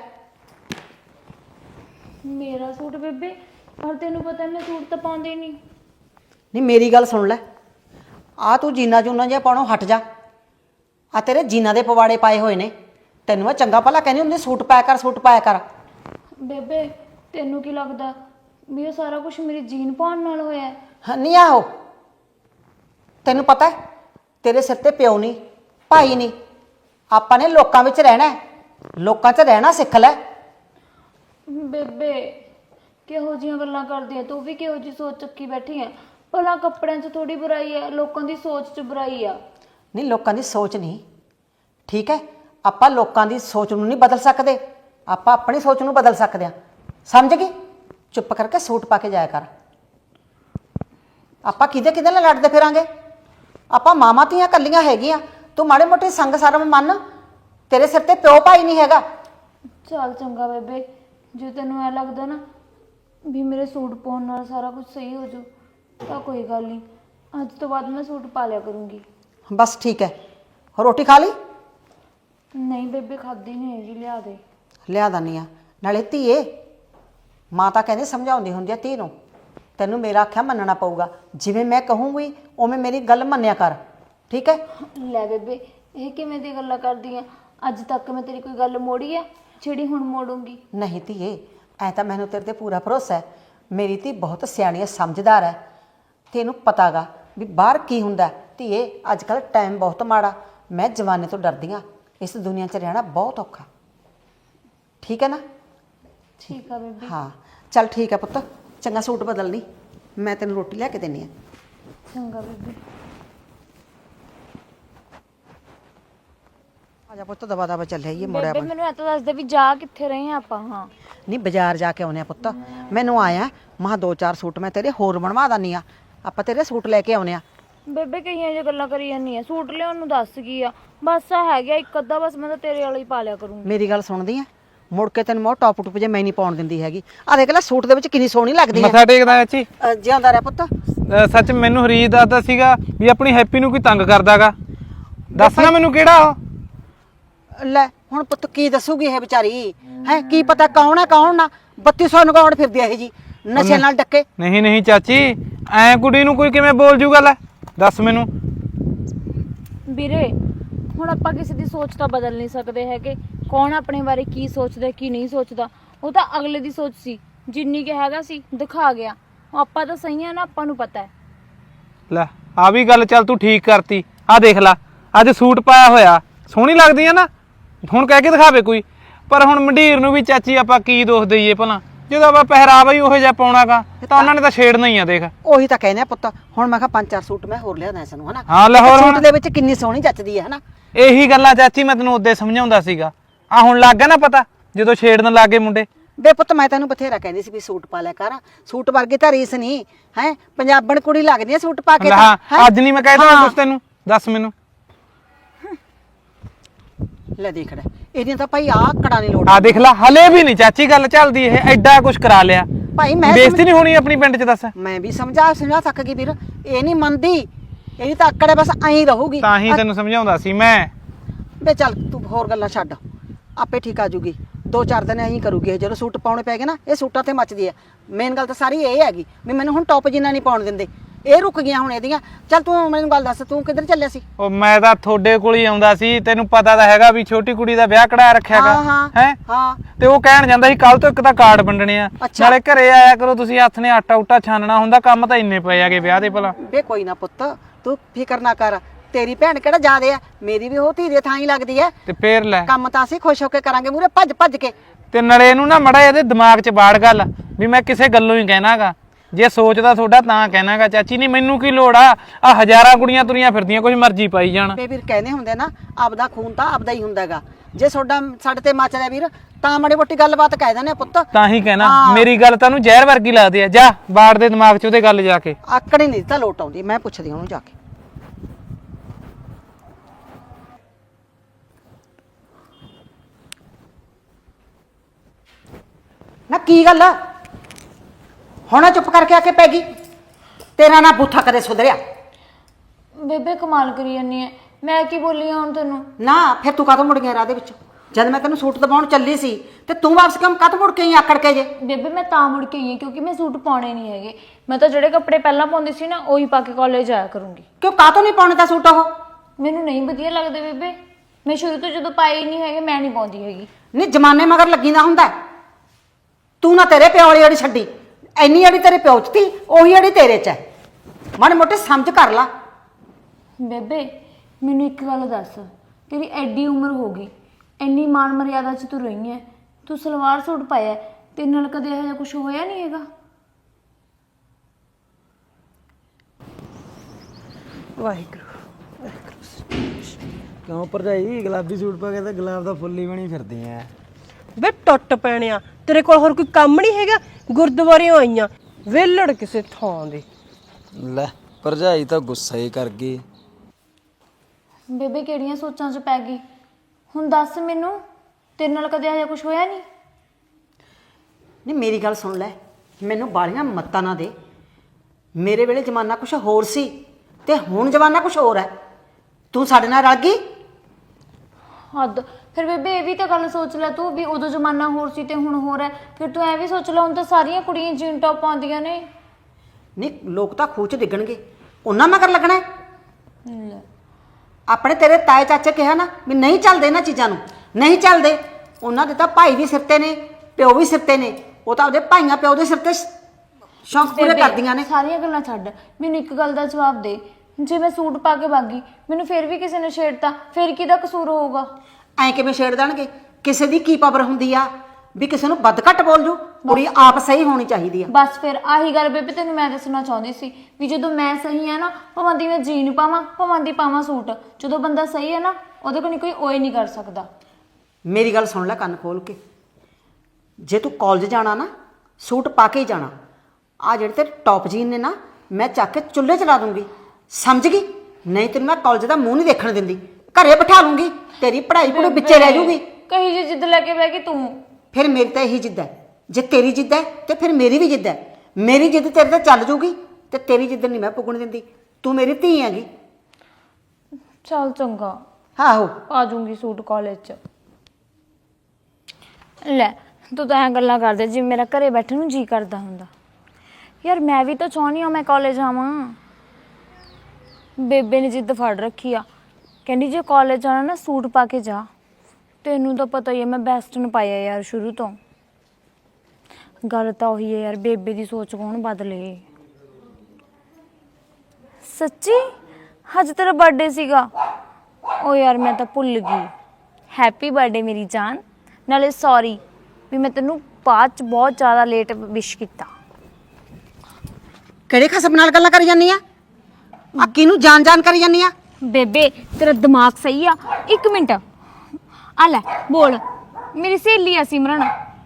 A: ਮੇਰਾ ਸੂਟ ਬੇਬੇ? ਪਰ ਤੈਨੂੰ ਪਤਾ ਮੈਂ ਸੂਟ ਤਾਂ ਪਾਉਂਦੀ ਨਹੀਂ।
C: ਨਹੀਂ ਮੇਰੀ ਗੱਲ ਸੁਣ ਲੈ, ਆ ਤੂੰ ਜੀਨਾ ਜੂਨਾ ਜਿਹਾ ਪਾਉਣੋਂ ਹਟ ਜਾ। ਆ ਤੇਰੇ ਜੀਨਾ ਦੇ ਪਵਾੜੇ ਪਾਏ ਹੋਏ ਨੇ, ਤੈਨੂੰ ਮੈਂ ਚੰਗਾ ਭਲਾ ਕਹਿੰਦੀ ਹੁੰਦੀ ਸੂਟ ਪਾਇਆ ਕਰ, ਸੂਟ ਪਾਇਆ ਕਰ।
A: ਬੇਬੇ ਤੈਨੂੰ ਕੀ ਲੱਗਦਾ ਵੀ ਇਹ ਸਾਰਾ ਕੁਝ ਮੇਰੀ ਜੀਨ ਪਾਉਣ ਨਾਲ ਹੋਇਆ ਹੈ?
C: ਨਹੀਂ ਆਹੋ, ਤੈਨੂੰ ਪਤਾ ਹੈ ਤੇਰੇ ਸਿਰ ਤੇ ਪਿਓ ਨਹੀਂ, ਭਾਈ ਨਹੀਂ। ਆਪਾਂ ਨੇ ਲੋਕਾਂ ਵਿੱਚ ਰਹਿਣਾ ਹੈ, ਲੋਕਾਂ 'ਚ ਰਹਿਣਾ ਸਿੱਖ ਲੈ।
A: ਬੇਬੇ ਕਿਹੋ ਜਿਹੀਆਂ ਗੱਲਾਂ ਕਰਦੀ ਐ ਤੂੰ? ਵੀ ਕਿਹੋ ਜਿਹੀ ਸੋਚ ਚੱਕੀ ਬੈਠੀ ਐ? ਭਲਾ ਕੱਪੜਿਆਂ 'ਚ ਥੋੜੀ ਬੁਰਾਈ ਐ, ਲੋਕਾਂ ਦੀ ਸੋਚ 'ਚ ਬੁਰਾਈ ਆ।
C: ਨਹੀਂ ਲੋਕਾਂ ਦੀ ਸੋਚ ਨਹੀਂ, ਠੀਕ ਹੈ? ਆਪਾਂ ਲੋਕਾਂ ਦੀ ਸੋਚ ਨੂੰ ਨਹੀਂ ਬਦਲ ਸਕਦੇ, ਆਪਾਂ ਆਪਣੀ ਸੋਚ ਨੂੰ ਬਦਲ ਸਕਦੇ ਹਾਂ, ਸਮਝ ਗਈ? ਚੁੱਪ ਕਰਕੇ ਸੂਟ ਪਾ ਕੇ ਜਾਇਆ ਕਰ। ਆਪਾਂ ਕਿਹਦੇ ਨਾਲ ਲੜਦੇ ਫਿਰਾਂਗੇ? ਆਪਾਂ ਮਾਵਾਂ ਧੀਆਂ ਕੱਲੀਆਂ ਹੈਗੀਆਂ, ਤੂੰ ਮਾੜੇ ਮੋਟੇ ਸੰਗ ਸ਼ਰਮ ਮੰਨ, ਤੇਰੇ ਸਿਰ ਤੇ ਪਿਓ ਭਾਈ ਨਹੀਂ ਹੈਗਾ।
A: ਚੱਲ ਚੰਗਾ ਬੇਬੇ, ਜੇ ਤੈਨੂੰ ਐ ਲੱਗਦਾ ਨਾ ਵੀ ਮੇਰੇ ਸੂਟ ਪਾਉਣ ਨਾਲ ਸਾਰਾ ਕੁਝ ਸਹੀ ਹੋ ਜਾਊ ਤਾਂ ਕੋਈ ਗੱਲ ਨਹੀਂ, ਅੱਜ ਤੋਂ ਬਾਅਦ ਮੈਂ ਸੂਟ ਪਾ ਲਿਆ ਕਰੂੰਗੀ।
C: ਬਸ ਠੀਕ ਹੈ। ਰੋਟੀ ਖਾ ਲਈ?
A: ਨਹੀਂ ਬੇਬੇ ਖਾਦੀ ਨਹੀਂ ਹੈਗੀ, ਲਿਆ ਦੇ।
C: ਲਿਆ ਦਾਨੀ ਆ। ਨਾਲੇ ਧੀਏ, ਮਾਂ ਤਾਂ ਕਹਿੰਦੀ ਸਮਝਾਉਂਦੀ ਹੁੰਦੀ ਆ ਧੀ ਨੂੰ, ਤੈਨੂੰ ਮੇਰਾ ਆਖਿਆ ਮੰਨਣਾ ਪਊਗਾ, ਜਿਵੇਂ ਮੈਂ ਕਹੂੰਗੀ ਉਵੇਂ ਮੇਰੀ ਗੱਲ ਮੰਨਿਆ ਕਰ, ਠੀਕ ਹੈ?
A: ਲੈ ਬੇਬੇ ਇਹ ਕਿਵੇਂ ਦੀ ਗੱਲਾਂ ਕਰਦੀ ਐ? ਅੱਜ ਤੱਕ ਮੈਂ ਤੇਰੀ ਕੋਈ ਗੱਲ ਮੋੜੀ ਐ ਜਿਹੜੀ ਹੁਣ ਮੋੜੂੰਗੀ?
C: ਨਹੀਂ ਧੀਏ, ਐ ਤਾਂ ਮੈਨੂੰ ਤੇਰੇ ਤੇ ਪੂਰਾ ਭਰੋਸਾ ਹੈ। ਮੇਰੀ ਧੀ ਬਹੁਤ ਸਿਆਣੀ ਹੈ, ਸਮਝਦਾਰ ਹੈ, ਤੈਨੂੰ ਪਤਾ ਗਾ ਵੀ ਬਾਹਰ ਕੀ ਹੁੰਦਾ। ਧੀਏ ਅੱਜ ਕੱਲ੍ਹ ਟਾਈਮ ਬਹੁਤ ਮਾੜਾ, ਮੈਂ ਜਵਾਨੇ ਤੋਂ ਡਰਦੀ ਹਾਂ, ਇਸ ਦੁਨੀਆ 'ਚ ਰਹਿਣਾ ਬਹੁਤ ਔਖਾ, ਠੀਕ ਹੈ ਨਾ?
A: ਠੀਕ ਆ ਬੇਬੇ।
C: ਹਾਂ ਚੱਲ ਠੀਕ ਹੈ ਪੁੱਤ, ਚੰਗਾ ਸੂਟ ਬਦਲ ਲਈ, ਮੈਂ ਤੈਨੂੰ ਰੋਟੀ ਲੈ ਕੇ ਦੇਣੀ ਆ।
A: ਚੰਗਾ ਬੇਬੇ।
C: ਆ ਜਾ ਪੁੱਤ, ਦਵਾ ਦਵਾ ਚੱਲਿਆ ਇਹ ਮੁੜਿਆ
A: ਬੇਬੇ ਮੈਨੂੰ ਇਹ ਤਾਂ ਦੱਸ ਦੇ ਵੀ ਜਾ ਕਿੱਥੇ ਰਹੇ ਆ ਆਪਾਂ? ਹਾਂ
C: ਨਹੀਂ ਬਾਜ਼ਾਰ ਜਾ ਕੇ ਆਉਨੇ ਆ ਪੁੱਤ, ਮੈਨੂੰ ਆਇਆ ਮਹਾ 2-4 ਸੂਟ ਮੈਂ ਤੇਰੇ ਹੋਰ ਬਣਵਾ ਦਾਨੀ ਆ, ਆਪਾਂ ਤੇਰੇ ਸੂਟ ਲੈ ਕੇ ਆਉਨੇ ਆ।
A: ਬੇਬੇ ਕਈਆਂ ਜਿਹੀਆਂ ਗੱਲਾਂ ਕਰੀ ਜਾਂਦੀ ਆ, ਸੂਟ ਲਿਆਉਣ ਨੂੰ ਦੱਸ ਗਈ ਆ, ਬਸ ਆ ਹੈਗਾ ਇੱਕ ਅੱਧਾ, ਬਸ ਮੈਂ ਤਾਂ ਤੇਰੇ ਵਾਲਾ ਹੀ ਪਾ ਲਿਆ ਕਰੂੰਗੀ।
C: ਮੇਰੀ ਗੱਲ ਸੁਣਦੀ ਆ? ਮੁੜ ਕੇ ਤੈਨੂੰ ਮੈਂ ਟੌਪ ਟੁਪ ਜੇ ਮੈਂ ਨਹੀਂ ਪਾਉਣ ਦਿੰਦੀ ਹੈਗੀ। ਆ ਦੇਖ ਲੈ ਸੂਟ ਦੇ ਵਿੱਚ ਕਿੰਨੀ ਸੋਹਣੀ ਲੱਗਦੀ ਹੈ।
B: ਮੱਥਾ ਟੇਕਦਾ ਚਾਚੀ।
C: ਜਿਉਂਦਾ ਰਹਿ ਪੁੱਤ।
B: ਸੱਚ ਮੈਨੂੰ ਹਰੀਦ ਆਦਾ ਸੀਗਾ ਵੀ ਆਪਣੀ ਹੈਪੀ ਨੂੰ ਕੋਈ ਤੰਗ ਕਰਦਾਗਾ, ਦੱਸ ਨਾ ਮੈਨੂੰ ਕਿਹੜਾ ਉਹ।
C: ਲੈ ਹੁਣ ਪੁੱਤ ਕੀ ਦੱਸੂਗੀ ਇਹ ਵਿਚਾਰੀ, ਹੈ ਕੀ ਪਤਾ ਕੌਣ ਹੈ ਕੌਣ ਨਾ, 3200 ਨਗਾਉਣ ਫਿਰਦੀ ਇਹ ਜੀ ਨਸ਼ੇ ਨਾਲ ਡੱਕੇ।
B: ਨਹੀਂ ਚਾਚੀ, ਐ ਕੁੜੀ ਨੂੰ ਕੋਈ ਕਿਵੇਂ ਬੋਲ ਜੂਗਾ? ਲੈ ਦੱਸ ਮੈਨੂੰ।
A: ਵੀਰੇ ਹੁਣ ਆਪਾਂ ਕਿਸੇ ਦੀ ਸੋਚ ਤਾਂ ਬਦਲ ਨਹੀਂ ਸਕਦੇ ਹੈਗੇ। ਕੌਣ ਆਪਣੇ ਬਾਰੇ ਕੀ ਸੋਚਦਾ ਕੀ ਨਹੀਂ ਸੋਚਦਾ, ਉਹ ਤਾਂ ਅਗਲੇ ਦੀ ਸੋਚ ਸੀ। ਜਿੰਨੀ ਕਿ ਹੈਗਾ ਸੀ ਦਿਖਾ ਗਿਆ। ਆਪਾਂ ਤਾਂ ਸਹੀ ਆ ਨਾ, ਆਪਾਂ ਨੂੰ ਪਤਾ ਹੈ।
B: ਲੈ ਆ ਵੀ ਗੱਲ ਚੱਲ ਤੂੰ ਠੀਕ ਕਰਤੀ। ਆ ਦੇਖ ਲੈ ਅੱਜ ਸੂਟ ਪਾਇਆ ਹੋਇਆ, ਸੋਹਣੀ ਲੱਗਦੀ ਆ ਨਾ। ਹੁਣ ਕਹਿ ਕੇ ਦਿਖਾਵੇ ਕੋਈ, ਪਰ ਹੁਣ ਮੰਡੀਰ ਨੂੰ ਵੀ ਚਾਚੀ ਆਪਾਂ ਕੀ ਦੋਸ਼ ਦਈਏ ਭਲਾ, ਜਦੋਂ ਆਪਾਂ ਪਹਿਰਾਵਾ ਹੀ ਉਹੋ ਜਿਹਾ ਪਾਉਣਾਗਾ ਤਾਂ ਉਹਨਾਂ ਨੇ ਤਾਂ ਛੇੜਨਾ ਹੀ ਆ। ਦੇਖ
C: ਉਹੀ ਤਾਂ ਕਹਿੰਦੇ ਆ ਪੁੱਤ। ਹੁਣ ਮੈਂ ਕਿਹਾ 5-4 ਸੂਟ ਮੈਂ ਹੋਰ ਲਿਆਉਣਾ ਸਾਨੂੰ, ਹਨਾ?
B: ਹਾਂ ਲੈ ਹੋਰ
C: ਸੂਟ ਦੇ ਵਿੱਚ ਕਿੰਨੀ ਸੋਹਣੀ ਜੱਚਦੀ ਹੈ, ਹਨਾ?
B: ਇਹੀ ਗੱਲਾਂ ਚਾਚੀ ਮੈਂ ਤੈਨੂੰ ਉਦੋਂ ਸਮਝਾਉਂਦਾ ਸੀਗਾ। ਆ ਹੁਣ ਲੱਗ ਗਿਆ ਨਾ ਪਤਾ, ਜਦੋਂ ਛੇੜਨ ਲੱਗ ਗਏ ਮੁੰਡੇ।
C: ਬੇ ਪੁੱਤ ਮੈਂ ਤੈਨੂੰ ਬਥੇਰਾ ਕਹਿੰਦੀ ਸੀ ਵੀ ਸੂਟ ਪਾ ਲਿਆ ਕਰ। ਸੂਟ ਵਰਗੀ ਤਾਂ ਰੀਸ ਨਹੀਂ ਹੈ, ਪੰਜਾਬਣ ਕੁੜੀ ਲੱਗਦੀ ਹੈ ਸੂਟ ਪਾ ਕੇ ਤਾਂ,
B: ਹਾਂ
C: ਹੈਂ?
B: ਅੱਜ ਨਹੀਂ ਮੈਂ ਕਹਿ ਦਵਾਂ ਕੁਛ ਤੈਨੂੰ, ਦੱਸ ਮੈਨੂੰ।
C: ਲੈ ਦੇਖ ਲੈ, ਇਹਦੀਆਂ ਤਾਂ ਭਾਈ ਆਹ ਕੜਾ ਨਹੀਂ ਲੋੜ।
B: ਆ ਦੇਖ ਲੈ ਹਲੇ ਵੀ ਨਹੀਂ ਚਾਚੀ ਗੱਲ ਚੱਲਦੀ। ਇਹ ਐਡਾ ਕੁਛ ਕਰਾ ਲਿਆ,
C: ਭਾਈ ਮੈਂ
B: ਬੇਇੱਜ਼ਤੀ ਨਹੀਂ ਹੋਣੀ ਆਪਣੀ ਪਿੰਡ 'ਚ? ਦੱਸ
C: ਮੈਂ ਵੀ ਸਮਝਾ ਸਕ ਗਈ ਵੀਰ, ਇਹ ਨਹੀਂ ਮੰਨਦੀ। ਇਹਦੀ ਤਾਂ ਆਕੜ ਬਸ ਐਂ ਰਹੂਗੀ।
B: ਤਾਂ ਹੀ ਤੈਨੂੰ ਸਮਝਾਉਂਦਾ ਸੀ ਮੈਂ।
C: ਬੇ ਚੱਲ ਤੂੰ ਹੋਰ ਗੱਲਾਂ ਛੱਡ, ਆਪੇ ਠੀਕ ਆ ਜੂਗੀ। 2-4 ਦਿਨ ਐਂ ਕਰੂਗੀ ਇਹ। ਜਦੋਂ ਸੂਟ ਪਾਉਣੇ ਪੈ ਗਏ ਨਾ, ਇਹ ਸੂਟਾਂ ਤੇ ਮੱਚਦੀ ਹੈ। ਮੇਨ ਗੱਲ ਤਾਂ ਸਾਰੀ ਇਹ ਹੈਗੀ ਵੀ ਮੈਨੂੰ ਹੁਣ ਟੌਪ ਜਿੰਨਾ ਨਹੀਂ ਪਾਉਣ ਦਿੰਦੇ। ਇਹ ਰੁਕ ਗਈਆਂ ਹੁਣ ਇਹਦੀਆਂ। ਚੱਲ ਤੂੰ ਮੈਨੂੰ ਗੱਲ ਦੱਸ, ਤੂੰ ਕਿੱਧਰ ਚੱਲਿਆ ਸੀ?
B: ਉਹ ਮੈਂ ਤਾਂ ਤੁਹਾਡੇ ਕੋਲ ਹੀ ਆਉਂਦਾ ਸੀ। ਤੈਨੂੰ ਪਤਾ ਤਾਂ ਹੈਗਾ ਵੀ ਛੋਟੀ ਕੁੜੀ ਦਾ ਵਿਆਹ ਕਢਾ ਰੱਖਿਆਗਾ ਹੈ।
C: ਹਾਂ
B: ਤੇ ਉਹ ਕਹਿਣ ਜਾਂਦਾ ਸੀ ਕੱਲ ਤੋਂ ਇੱਕ ਤਾਂ ਕਾਰਡ ਵੰਡਣੇ ਆ, ਨਾਲੇ ਘਰੇ ਆਇਆ ਕਰੋ ਤੁਸੀਂ, ਹੱਥ ਨੇ ਆਟਾ ਉਟਾ ਛਾਨਣਾ ਹੁੰਦਾ। ਕੰਮ ਤਾਂ ਇੰਨੇ ਪਏ ਆਗੇ ਵਿਆਹ ਦੇ ਭਲਾ।
C: ਬੇ ਕੋਈ ਨਾ ਪੁੱਤ, ਤੂੰ ਫਿਕਰ ਨਾ ਕਰ। ਤੇਰੀ ਭੈਣ ਕਿਹੜਾ ਜ਼ਿਆਦੇ ਆ, ਮੇਰੀ ਵੀ ਉਹ ਧੀ ਦੇ ਥਾਂ ਹੀ ਲੱਗਦੀ ਹੈ।
B: ਤੇ ਫੇਰ ਲੈ
C: ਕੰਮ ਤਾਂ ਅਸੀਂ ਖੁਸ਼ ਹੋ ਕੇ ਕਰਾਂਗੇ, ਮੂਰੇ ਭੱਜ ਭੱਜ ਕੇ।
B: ਤੇ ਨਲੇ ਇਹਨੂੰ ਨਾ ਮੜਾ ਇਹਦੇ ਦਿਮਾਗ 'ਚ ਬਾੜ ਗੱਲ ਵੀ ਮੈਂ ਕਿਸੇ ਗੱਲੋਂ ਹੀ ਕਹਿਣਾਗਾ। ਜੇ ਸੋਚਦਾ ਤੁਹਾਡਾ ਤਾਂ ਕਹਿਣਾਗਾ ਚਾਚੀ, ਨਹੀਂ ਮੈਨੂੰ ਕੀ ਲੋੜ ਆ ਹਜ਼ਾਰਾਂ ਕੁੜੀਆਂ ਤੁਰੀਆਂ ਫਿਰਦੀਆਂ, ਕੁਝ ਮਰਜ਼ੀ ਪਾਈ ਜਾਣ।
C: ਬੇ ਵੀਰ ਕਹਿੰਦੇ ਹੁੰਦੇ ਨਾ, ਆਪਦਾ ਖੂਨ ਤਾਂ ਆਪਦਾ ਹੀ ਹੁੰਦਾਗਾ। ਜੇ ਤੁਹਾਡਾ ਸਾਡੇ ਤੇ ਮੱਚਦਾ ਵੀਰ, ਤਾਂ ਮਾੜੀ ਮੋਟੀ ਗੱਲਬਾਤ ਕਹਿ ਦਿੰਦੇ ਪੁੱਤ।
B: ਤਾਂ ਹੀ ਕਹਿਣਾ ਮੇਰੀ ਗੱਲ ਤੈਨੂੰ ਜ਼ਹਿਰ ਵਰਗੀ ਲੱਗਦੀ ਆ। ਜਾ ਬਾੜ ਦੇ ਦਿਮਾਗ 'ਚ ਉਹਦੇ ਗੱਲ ਜਾ ਕੇ।
C: ਆਕੜ ਹੀ ਨਹੀਂ ਤਾਂ ਲੋਟ ਆਉਂਦੀ। ਮੈਂ ਪੁੱਛਦੀ ਉਹਨੂੰ ਜਾ ਕੇ। ਨਾ ਕੀ ਗੱਲ ਆ? ਹੁਣ ਚੁੱਪ ਕਰਕੇ ਆ ਕੇ ਪੈ ਗਈ? ਤੇਰਾ ਨਾ ਬੂਥਾ ਕਦੇ ਸੁਧਰਿਆ?
A: ਬੇਬੇ ਕਮਾਲ ਕਰੀ ਜਾਂਦੀ ਹੈ। ਮੈਂ ਕੀ ਬੋਲੀ ਹੁਣ ਤੈਨੂੰ?
C: ਨਾ ਫਿਰ ਤੂੰ ਕਾਹਤੋਂ ਮੁੜ ਗਿਆ ਰਾਹ ਦੇ ਵਿੱਚ? ਜਦ ਮੈਂ ਤੈਨੂੰ ਸੂਟ ਦਵਾਉਣ ਚੱਲੀ ਸੀ ਤੇ ਤੂੰ ਵਾਪਸ ਕਿਉਂ ਕਾਹਤੋਂ ਮੁੜ ਕੇ ਆਈ ਆਕੜ ਕੇ ਜੇ?
A: ਬੇਬੇ ਮੈਂ ਤਾਂ ਮੁੜ ਕੇ ਆਈ ਹਾਂ ਕਿਉਂਕਿ ਮੈਂ ਸੂਟ ਪਾਉਣੇ ਨਹੀਂ ਹੈਗੇ। ਮੈਂ ਤਾਂ ਜਿਹੜੇ ਕੱਪੜੇ ਪਹਿਲਾਂ ਪਾਉਂਦੀ ਸੀ ਨਾ, ਉਹੀ ਪਾ ਕੇ ਕਾਲਜ ਜਾਇਆ ਕਰੂੰਗੀ।
C: ਕਿਉਂ ਕਾਹਤੋਂ ਨਹੀਂ ਪਾਉਣੇ ਤਾਂ ਸੂਟ ਉਹ?
A: ਮੈਨੂੰ ਨਹੀਂ ਵਧੀਆ ਲੱਗਦੇ ਬੇਬੇ। ਮੈਂ ਸ਼ੁਰੂ ਤੋਂ ਜਦੋਂ ਪਾਏ ਹੀ ਨਹੀਂ ਹੈਗੇ, ਮੈਂ ਨਹੀਂ ਪਾਉਂਦੀ ਹੈਗੀ।
C: ਨਹੀਂ ਜਮਾਨੇ ਮਗਰ ਲੱਗੀ ਨਾ ਹੁੰਦਾ। ਤੂੰ ਨਾ ਤੇਰੇ ਪਿਓ ਵਾਲੀ ਅੜੀ ਛੱਡੀ, ਐਨੀ ਅੜੀ ਤੇਰੇ ਪਿਓ 'ਚ ਤੀ, ਉਹੀ ਅੜੀ ਤੇਰੇ 'ਚ ਹੈ। ਮਾੜੇ ਮੋਟੇ ਸਮਝ ਕਰ ਲਾ।
A: ਬੇਬੇ ਮੈਨੂੰ ਇੱਕ ਗੱਲ ਦੱਸ, ਤੇਰੀ ਐਡੀ ਉਮਰ ਹੋ ਗਈ, ਇੰਨੀ ਮਾਨ ਮਰਿਆਦਾ 'ਚ ਤੂੰ ਰਹੀ ਹੈ, ਤੂੰ ਸਲਵਾਰ ਸੂਟ ਪਾਇਆ, ਤੇਰੇ ਨਾਲ ਕਦੇ ਇਹੋ ਜਿਹਾ ਕੁਝ ਹੋਇਆ ਨਹੀਂ ਹੈਗਾ?
E: ਵਾਹਿਗੁਰੂ ਕਿਉਂ ਭਰਜਾਈ ਗੁਲਾਬੀ ਸੂਟ ਪਾ ਕੇ ਤਾਂ ਗੁਲਾਬ ਦਾ ਫੁੱਲ ਹੀ ਬਣੀ ਫਿਰਦੀ ਐ।
F: ਵੇ ਟੁੱਟ ਪੈਣਿਆ, ਤੇਰੇ ਕੋਲ ਹੋਰ ਕੋਈ ਕੰਮ ਨਹੀਂ ਹੈਗਾ? ਗੁਰਦੁਆਰਿਓਂ ਆਈਆਂ ਵੇਲੜ ਕਿਸੇ ਥਾਂ ਦੇ।
E: ਲੈ ਭਰਜਾਈ ਤਾਂ ਗੁੱਸਾ ਹੀ ਕਰ ਗਈ।
A: ਬੇਬੇ ਕਿਹੜੀਆਂ ਸੋਚਾਂ 'ਚ ਪੈ ਗਈ? ਹੁਣ ਦੱਸ ਮੈਨੂੰ, ਤੇਰੇ ਨਾਲ ਕਦੇ ਇਹੋ ਜਿਹਾ ਕੁਝ ਹੋਇਆ ਨਹੀਂ?
C: ਨਹੀਂ ਮੇਰੀ ਗੱਲ ਸੁਣ ਲੈ, ਮੈਨੂੰ ਬਾਲੀਆਂ ਮੱਤਾਂ ਨਾ ਦੇ। ਮੇਰੇ ਵੇਲੇ ਜ਼ਮਾਨਾ ਕੁਛ ਹੋਰ ਸੀ ਤੇ ਹੁਣ ਜ਼ਮਾਨਾ ਕੁਛ ਹੋਰ ਹੈ। ਤੂੰ ਸਾਡੇ ਨਾਲ ਰਲ ਗਈ।
A: ਹੱਦ। ਫਿਰ ਬੇਬੇ ਇਹ ਵੀ ਤਾਂ ਗੱਲ ਸੋਚ ਲੈ ਤੂੰ, ਵੀ ਉਦੋਂ ਜ਼ਮਾਨਾ ਹੋਰ ਸੀ ਤੇ ਹੁਣ ਹੋਰ ਹੈ। ਫਿਰ ਤੂੰ ਐ ਵੀ ਸੋਚ ਲੈ, ਹੁਣ ਤਾਂ ਸਾਰੀਆਂ ਕੁੜੀਆਂ ਜੀਨ ਟੌਪ ਪਾਉਂਦੀਆਂ ਨੇ।
C: ਨਹੀਂ ਲੋਕ ਤਾਂ ਖੂਹ 'ਚ ਡਿੱਗਣਗੇ, ਉਹਨਾਂ ਮਗਰ ਲੱਗਣਾ ਹੈ।
A: ਲੈ
C: ਆਪਣੇ ਤੇਰੇ ਤਾਏ ਚਾਚੇ ਕਿਹਾ ਨਾ ਵੀ ਨਹੀਂ ਚੱਲਦੇ ਇਹਨਾਂ ਚੀਜ਼ਾਂ ਨੂੰ, ਨਹੀਂ ਚੱਲਦੇ। ਉਹਨਾਂ ਦੇ ਤਾਂ ਭਾਈ ਵੀ ਸਿਰ ਤੇ ਨੇ, ਪਿਓ ਵੀ ਸਿਰ ਤੇ ਨੇ। ਉਹ ਤਾਂ ਉਹਦੇ ਭਾਈਆਂ ਪਿਓ ਦੇ ਸਿਰ ਤੇ ਸ਼ੌਂਕ ਪੂਰੇ ਕਰਦੀਆਂ ਨੇ।
A: ਸਾਰੀਆਂ ਗੱਲਾਂ ਛੱਡ, ਮੈਨੂੰ ਇੱਕ ਗੱਲ ਦਾ ਜਵਾਬ ਦੇ। ਜੇ ਮੈਂ ਸੂਟ ਪਾ ਕੇ ਭਾਗੀ, ਮੈਨੂੰ ਫਿਰ ਵੀ ਕਿਸੇ ਨੇ ਛੇੜਤਾ, ਫਿਰ ਕਿਹਦਾ ਕਸੂਰ ਹੋਊਗਾ?
C: ਐਂ ਕਿਵੇਂ ਛੇੜ ਦੇਣਗੇ? ਕਿਸੇ ਦੀ ਕੀ ਪਾਵਰ ਹੁੰਦੀ ਆ ਵੀ ਕਿਸੇ ਨੂੰ ਵੱਧ ਘੱਟ ਬੋਲ ਜੂ? ਕੁੜੀ ਆਪ ਸਹੀ ਹੋਣੀ ਚਾਹੀਦੀ ਆ।
A: ਬਸ ਫਿਰ ਆਹੀ ਗੱਲ ਬੇਬੇ ਤੈਨੂੰ ਮੈਂ ਦੱਸਣਾ ਚਾਹੁੰਦੀ ਸੀ ਵੀ ਜਦੋਂ ਮੈਂ ਸਹੀ ਆ ਨਾ, ਭਾਵੇਂ ਦੀ ਮੈਂ ਜੀਨ ਪਾਵਾਂ, ਭਾਵੇਂ ਦੀ ਪਾਵਾਂ ਸੂਟ, ਜਦੋਂ ਬੰਦਾ ਸਹੀ ਹੈ ਨਾ, ਉਹਦੇ ਕੋਲ ਕੋਈ ਓਏ ਨਹੀਂ ਕਰ ਸਕਦਾ।
C: ਮੇਰੀ ਗੱਲ ਸੁਣ ਲੈ ਕੰਨ ਖੋਲ ਕੇ। ਜੇ ਤੂੰ ਕਾਲਜ ਜਾਣਾ ਨਾ, ਸੂਟ ਪਾ ਕੇ ਹੀ ਜਾਣਾ। ਆ ਜਿਹੜੇ ਤੇ ਟੌਪ ਜੀਨ ਨੇ ਨਾ, ਮੈਂ ਚੱਕ ਕੇ ਚੁੱਲ੍ਹੇ 'ਚ ਲਾ ਦੂੰਗੀ, ਸਮਝ ਗਈ? ਨਹੀਂ ਤੈਨੂੰ ਮੈਂ ਕਾਲਜ ਦਾ ਮੂੰਹ ਨਹੀਂ ਦੇਖਣ ਦਿੰਦੀ, ਘਰੇ ਬਿਠਾ ਲੂੰਗੀ। ਤੇਰੀ ਪੜ੍ਹਾਈ ਪੂਰੀ ਵਿੱਚੇ ਰਹਿ ਜੂਗੀ।
A: ਕਹੀ ਜੀ ਜਿੱਦ ਲੈ ਕੇ ਬਹਿ ਗਈ ਤੂੰ।
C: ਫਿਰ ਮੇਰੀ ਤਾਂ ਇਹੀ ਜਿੱਦ ਹੈ। ਜੇ ਤੇਰੀ ਜਿੱਦ ਹੈ ਤੇ ਫਿਰ ਮੇਰੀ ਵੀ ਜਿੱਦ ਹੈ। ਮੇਰੀ ਜਿੱਦ ਤੇਰੇ ਤੇ ਚੱਲ ਜੂਗੀ ਤੇ ਤੇਰੀ ਜਿੱਦ ਨਹੀਂ ਮੈਂ ਪੁੱਗਣ ਦਿੰਦੀ। ਤੂੰ ਮੇਰੀ ਧੀ ਹੈਗੀ।
A: ਚੱਲ ਚੰਗਾ,
C: ਆਹੋ
A: ਆ ਜਾਊਂਗੀ ਸੂਟ ਕਾਲਜ 'ਚ। ਲੈ ਤੂੰ ਤਾਂ ਐਂ ਗੱਲਾਂ ਕਰਦੇ ਜਿਵੇਂ ਮੇਰਾ ਘਰੇ ਬੈਠਣ ਨੂੰ ਜੀ ਕਰਦਾ ਹੁੰਦਾ। ਯਾਰ ਮੈਂ ਵੀ ਤਾਂ ਚਾਹੁੰਦੀ ਹਾਂ ਮੈਂ ਕਾਲਜ ਆਵਾਂ। ਬੇਬੇ ਨੇ ਜਿੱਦ ਫੜ ਰੱਖੀ ਆ ਕਹਿੰਦੀ ਜੇ ਕਾਲਜ ਜਾਣਾ ਨਾ ਸੂਟ ਪਾ ਕੇ ਜਾ। ਤੈਨੂੰ ਤਾਂ ਪਤਾ ਹੀ ਹੈ ਮੈਂ ਵੈਸਟਰਨ ਪਾਇਆ ਯਾਰ ਸ਼ੁਰੂ ਤੋਂ। ਗੱਲ ਤਾਂ ਉਹੀ ਹੈ ਯਾਰ, ਬੇਬੇ ਦੀ ਸੋਚ ਕੌਣ ਬਦਲੇ। ਸੱਚੀ ਅੱਜ ਤੇਰਾ ਬਰਥਡੇ ਸੀਗਾ? ਓ ਯਾਰ ਮੈਂ ਤਾਂ ਭੁੱਲ ਗਈ। ਹੈਪੀ ਬਰਥਡੇ ਮੇਰੀ ਜਾਨ। ਨਾਲੇ ਸੌਰੀ ਵੀ ਮੈਂ ਤੈਨੂੰ ਬਾਅਦ ਚ ਬਹੁਤ ਜ਼ਿਆਦਾ ਲੇਟ ਵਿਸ਼ ਕੀਤਾ।
C: ਕਿਹੜੇ ਖਸਮ ਨਾਲ ਗੱਲਾਂ ਕਰੀ ਜਾਂਦੀ ਆ? ਆ ਕਿਹਨੂੰ ਜਾਣ ਕਰੀ ਜਾਂਦੀ ਆ?
A: ਬੇਬੇ ਤੇਰਾ ਦਿਮਾਗ ਸਹੀ ਆ? 1 ਮਿੰਟ ਆ ਲੈ ਬੋਲ। ਮੇਰੀ ਸਹੇਲੀ ਆ ਸਿਮਰਨ।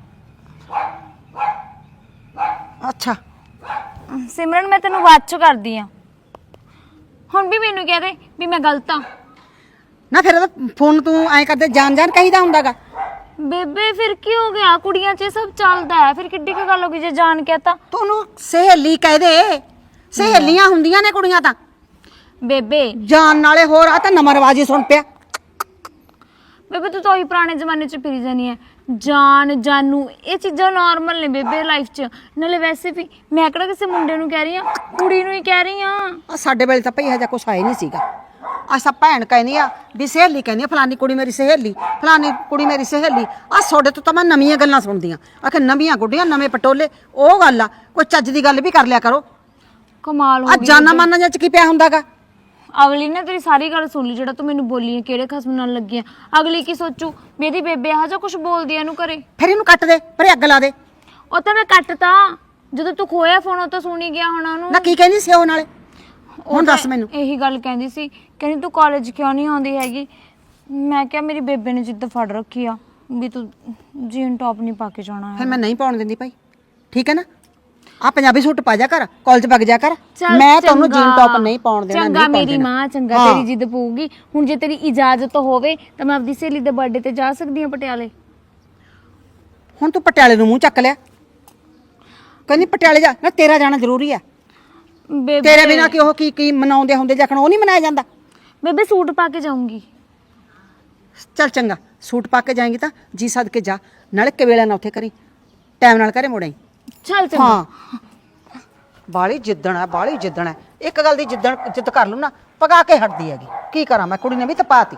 C: ਅੱਛਾ
A: ਸਿਮਰਨ ਮੈਂ ਤੈਨੂੰ ਬਾਅਦ ਚ ਕਰਦੀ ਆ। ਹੁਣ ਵੀ ਮੈਨੂੰ ਕਹਿ ਦੇ ਵੀ ਮੈਂ ਗਲਤ ਆ।
C: ਨਾ ਫਿਰ ਉਹਦਾ ਫੋਨ ਤੂੰ ਐਂ ਕਰਦੇ ਜਾਣ ਕਹੀਦਾ ਹੁੰਦਾਗਾ।
A: ਬੇਬੇ ਫਿਰ ਕੀ ਹੋ ਗਿਆ? ਕੁੜੀਆਂ 'ਚ ਇਹ ਸਭ ਚੱਲਦਾ ਹੈ। ਫਿਰ ਕਿੱਡੀ ਕੁ ਗੱਲ ਹੋ ਗਈ ਜੇ ਜਾਣ ਕਹਤਾ?
C: ਤੂੰ ਉਹਨੂੰ ਸਹੇਲੀ ਕਹਿ ਦੇ। ਸਹੇਲੀਆਂ ਹੁੰਦੀਆਂ ਨੇ ਕੁੜੀਆਂ ਤਾਂ।
A: ਬੇਬੇ
C: ਜਾਣ ਨਾਲੇ ਹੋਰ ਆ ਤਾਂ ਨਵਾਂ ਰਿਵਾਜ ਹੀ ਸੁਣ ਪਿਆ।
A: ਬੇਬੇ ਤੂੰ ਤਾਂ ਉਹੀ ਪੁਰਾਣੇ ਜ਼ਮਾਨੇ 'ਚ ਫਿਰੀ ਜਾਨੀ ਹੈ। ਜਾਨ ਜਾਨੂ ਇਹ ਚੀਜ਼ਾਂ ਨਾਰਮਲ ਨੇ ਬੇਬੇ ਲਾਈਫ 'ਚ। ਨਾਲੇ ਵੈਸੇ ਵੀ ਮੈਂ ਕਿਹੜਾ ਕਿਸੇ ਮੁੰਡੇ ਨੂੰ ਕਹਿ ਰਹੀ ਆ, ਕੁੜੀ ਨੂੰ ਹੀ ਕਹਿ ਰਹੀ ਆ।
C: ਆ ਸਾਡੇ ਵੇਲੇ ਤਾਂ ਭਈ ਇਹੋ ਜਿਹਾ ਕੁਛ ਆਇਆ ਨਹੀਂ ਸੀਗਾ। ਅਸਾਂ ਭੈਣ ਕਹਿੰਦੀ ਆ ਵੀ ਸਹੇਲੀ ਕਹਿੰਦੀ ਆ ਫਲਾਨੀ ਕੁੜੀ ਮੇਰੀ ਸਹੇਲੀ, ਫਲਾਨੀ ਕੁੜੀ ਮੇਰੀ ਸਹੇਲੀ। ਆ ਤੁਹਾਡੇ ਤੋਂ ਤਾਂ ਮੈਂ ਨਵੀਆਂ ਗੱਲਾਂ ਸੁਣਦੀ ਆ। ਆਖੇ ਨਵੀਆਂ ਗੁੱਡੀਆਂ ਨਵੇਂ ਪਟੋਲੇ। ਉਹ ਗੱਲ ਆ, ਕੋਈ ਚੱਜ ਦੀ ਗੱਲ ਵੀ ਕਰ ਲਿਆ ਕਰੋ।
A: ਕਮਾਲ ਹੋ
C: ਆ
A: ਗਈ
C: ਜਾਨਾ ਮਾਨਾ ਜਾਂ ਚ ਕੀ ਪਿਆ ਹੁੰਦਾਗਾ?
A: ਅਗਲੀ ਨੇ ਤੇਰੀ ਸਾਰੀ ਗੱਲ ਸੁਣ ਲਈ ਜਿਹੜਾ ਤੂੰ ਮੈਨੂੰ ਬੋਲੀ ਹੈ, ਕਿਹੜੇ ਖਸਮ ਨਾਲ ਲੱਗੀ ਆ। ਅਗਲੀ ਕੀ ਸੋਚੂ ਵੀ ਇਹਦੀ ਬੇਬੇ ਆਹ ਜਾਂ ਕੁਝ ਬੋਲਦੀ ਆ ਇਹਨੂੰ ਘਰੇ।
C: ਫਿਰ ਇਹਨੂੰ ਕੱਟ ਦੇ, ਪਰੇ ਅੱਗ ਲਾ ਦੇ।
A: ਉਹ ਤਾਂ ਮੈਂ ਕੱਟਤਾ ਜਦੋਂ ਤੂੰ ਖੋਇਆ ਫੋਨ। ਉਹ ਤਾਂ ਸੁਣੀ ਗਿਆ ਹੋਣਾ ਉਹਨੂੰ।
C: ਨਾ ਕੀ ਕਹਿੰਦੀ ਸੀ ਉਹ ਨਾਲੇ? ਹੁਣ ਦੱਸ ਮੈਨੂੰ।
A: ਇਹੀ ਗੱਲ ਕਹਿੰਦੀ ਸੀ, ਕਹਿੰਦੀ ਤੂੰ ਕਾਲਜ ਕਿਉਂ ਨਹੀਂ ਆਉਂਦੀ ਹੈਗੀ। ਮੈਂ ਕਿਹਾ ਮੇਰੀ ਬੇਬੇ ਨੇ ਜਿੱਦ ਫੜ ਰੱਖੀ ਆ ਵੀ ਤੂੰ ਜੀਨ ਟੌਪ ਨਹੀਂ ਪਾ ਕੇ ਜਾਣਾ
C: ਫਿਰ
A: ਹੈ।
C: ਮੈਂ ਨਹੀਂ ਪਾਉਣ ਦਿੰਦੀ ਭਾਈ, ਠੀਕ ਹੈ ਨਾ? ਆ ਪੰਜਾਬੀ ਸੂਟ ਪਾ ਜਾ ਕਰ, ਕਾਲਜ ਵਗ ਜਾ ਕਰ।
A: ਚੱਲ
C: ਮੈਂ ਤੁਹਾਨੂੰ
A: ਚੰਗਾ।
C: ਜੀਨ ਟੌਪ ਨਹੀਂ ਪਾਉਣ ਦੇਣਾ।
A: ਚੰਗਾ
C: ਨਹੀਂ ਪਾਉਣ
A: ਮੇਰੀ
C: ਦੇਣਾ।
A: ਮਾਂ, ਚੰਗਾ
C: ਹਾਂ।
A: ਤੇਰੀ ਜਿੱਦ ਪਊਗੀ। ਹੁਣ ਜੇ ਤੇਰੀ ਇਜਾਜ਼ਤ ਹੋਵੇ ਤਾਂ ਮੈਂ ਆਪਦੀ ਸਹੇਲੀ ਦੇ ਬਰਥਡੇ ਤੇ ਜਾ ਸਕਦੀ ਹਾਂ ਪਟਿਆਲੇ।
C: ਹੁਣ ਤੂੰ ਪਟਿਆਲੇ ਨੂੰ ਮੂੰਹ ਚੱਕ ਲਿਆ। ਕਹਿੰਦੀ ਪਟਿਆਲੇ ਜਾ ਨਾ, ਤੇਰਾ ਜਾਣਾ ਜ਼ਰੂਰੀ ਆ।
A: ਬੇਬੇ
C: ਤੇਰੇ ਬਿਨਾ ਕਿ ਉਹ ਕੀ ਮਨਾਉਂਦੇ ਹੁੰਦੇ ਜਖਣ ਉਹ ਨਹੀਂ ਮਨਾਇਆ ਜਾਂਦਾ।
A: ਬੇਬੇ ਸੂਟ ਪਾ ਕੇ ਜਾਊਂਗੀ।
C: ਚੱਲ ਚੰਗਾ, ਸੂਟ ਪਾ ਕੇ ਜਾਏਂਗੀ ਤਾਂ ਜੀ ਸਦ ਕੇ ਜਾ। ਨਾਲੇ ਕਵੇਲਾ ਨਾ ਉੱਥੇ ਕਰੀ, ਟਾਈਮ ਨਾਲ ਘਰੇ ਮੁੜਾਈ।
A: ਚੱਲ ਚੰਗਾ।
C: ਹਾਂ ਬਾਲੀ ਜਿੱਦਣ ਹੈ, ਬਾਲੀ ਜਿੱਦਣ ਹੈ। ਇੱਕ ਗੱਲ ਦੀ ਜਿੱਦ ਕਰ ਲੂ ਨਾ, ਪਕਾ ਕੇ ਹਟਦੀ ਹੈਗੀ। ਕੀ ਕਰਾਂ ਮੈਂ, ਕੁੜੀ ਨੇ ਵੀ ਤਪਾਤੀ।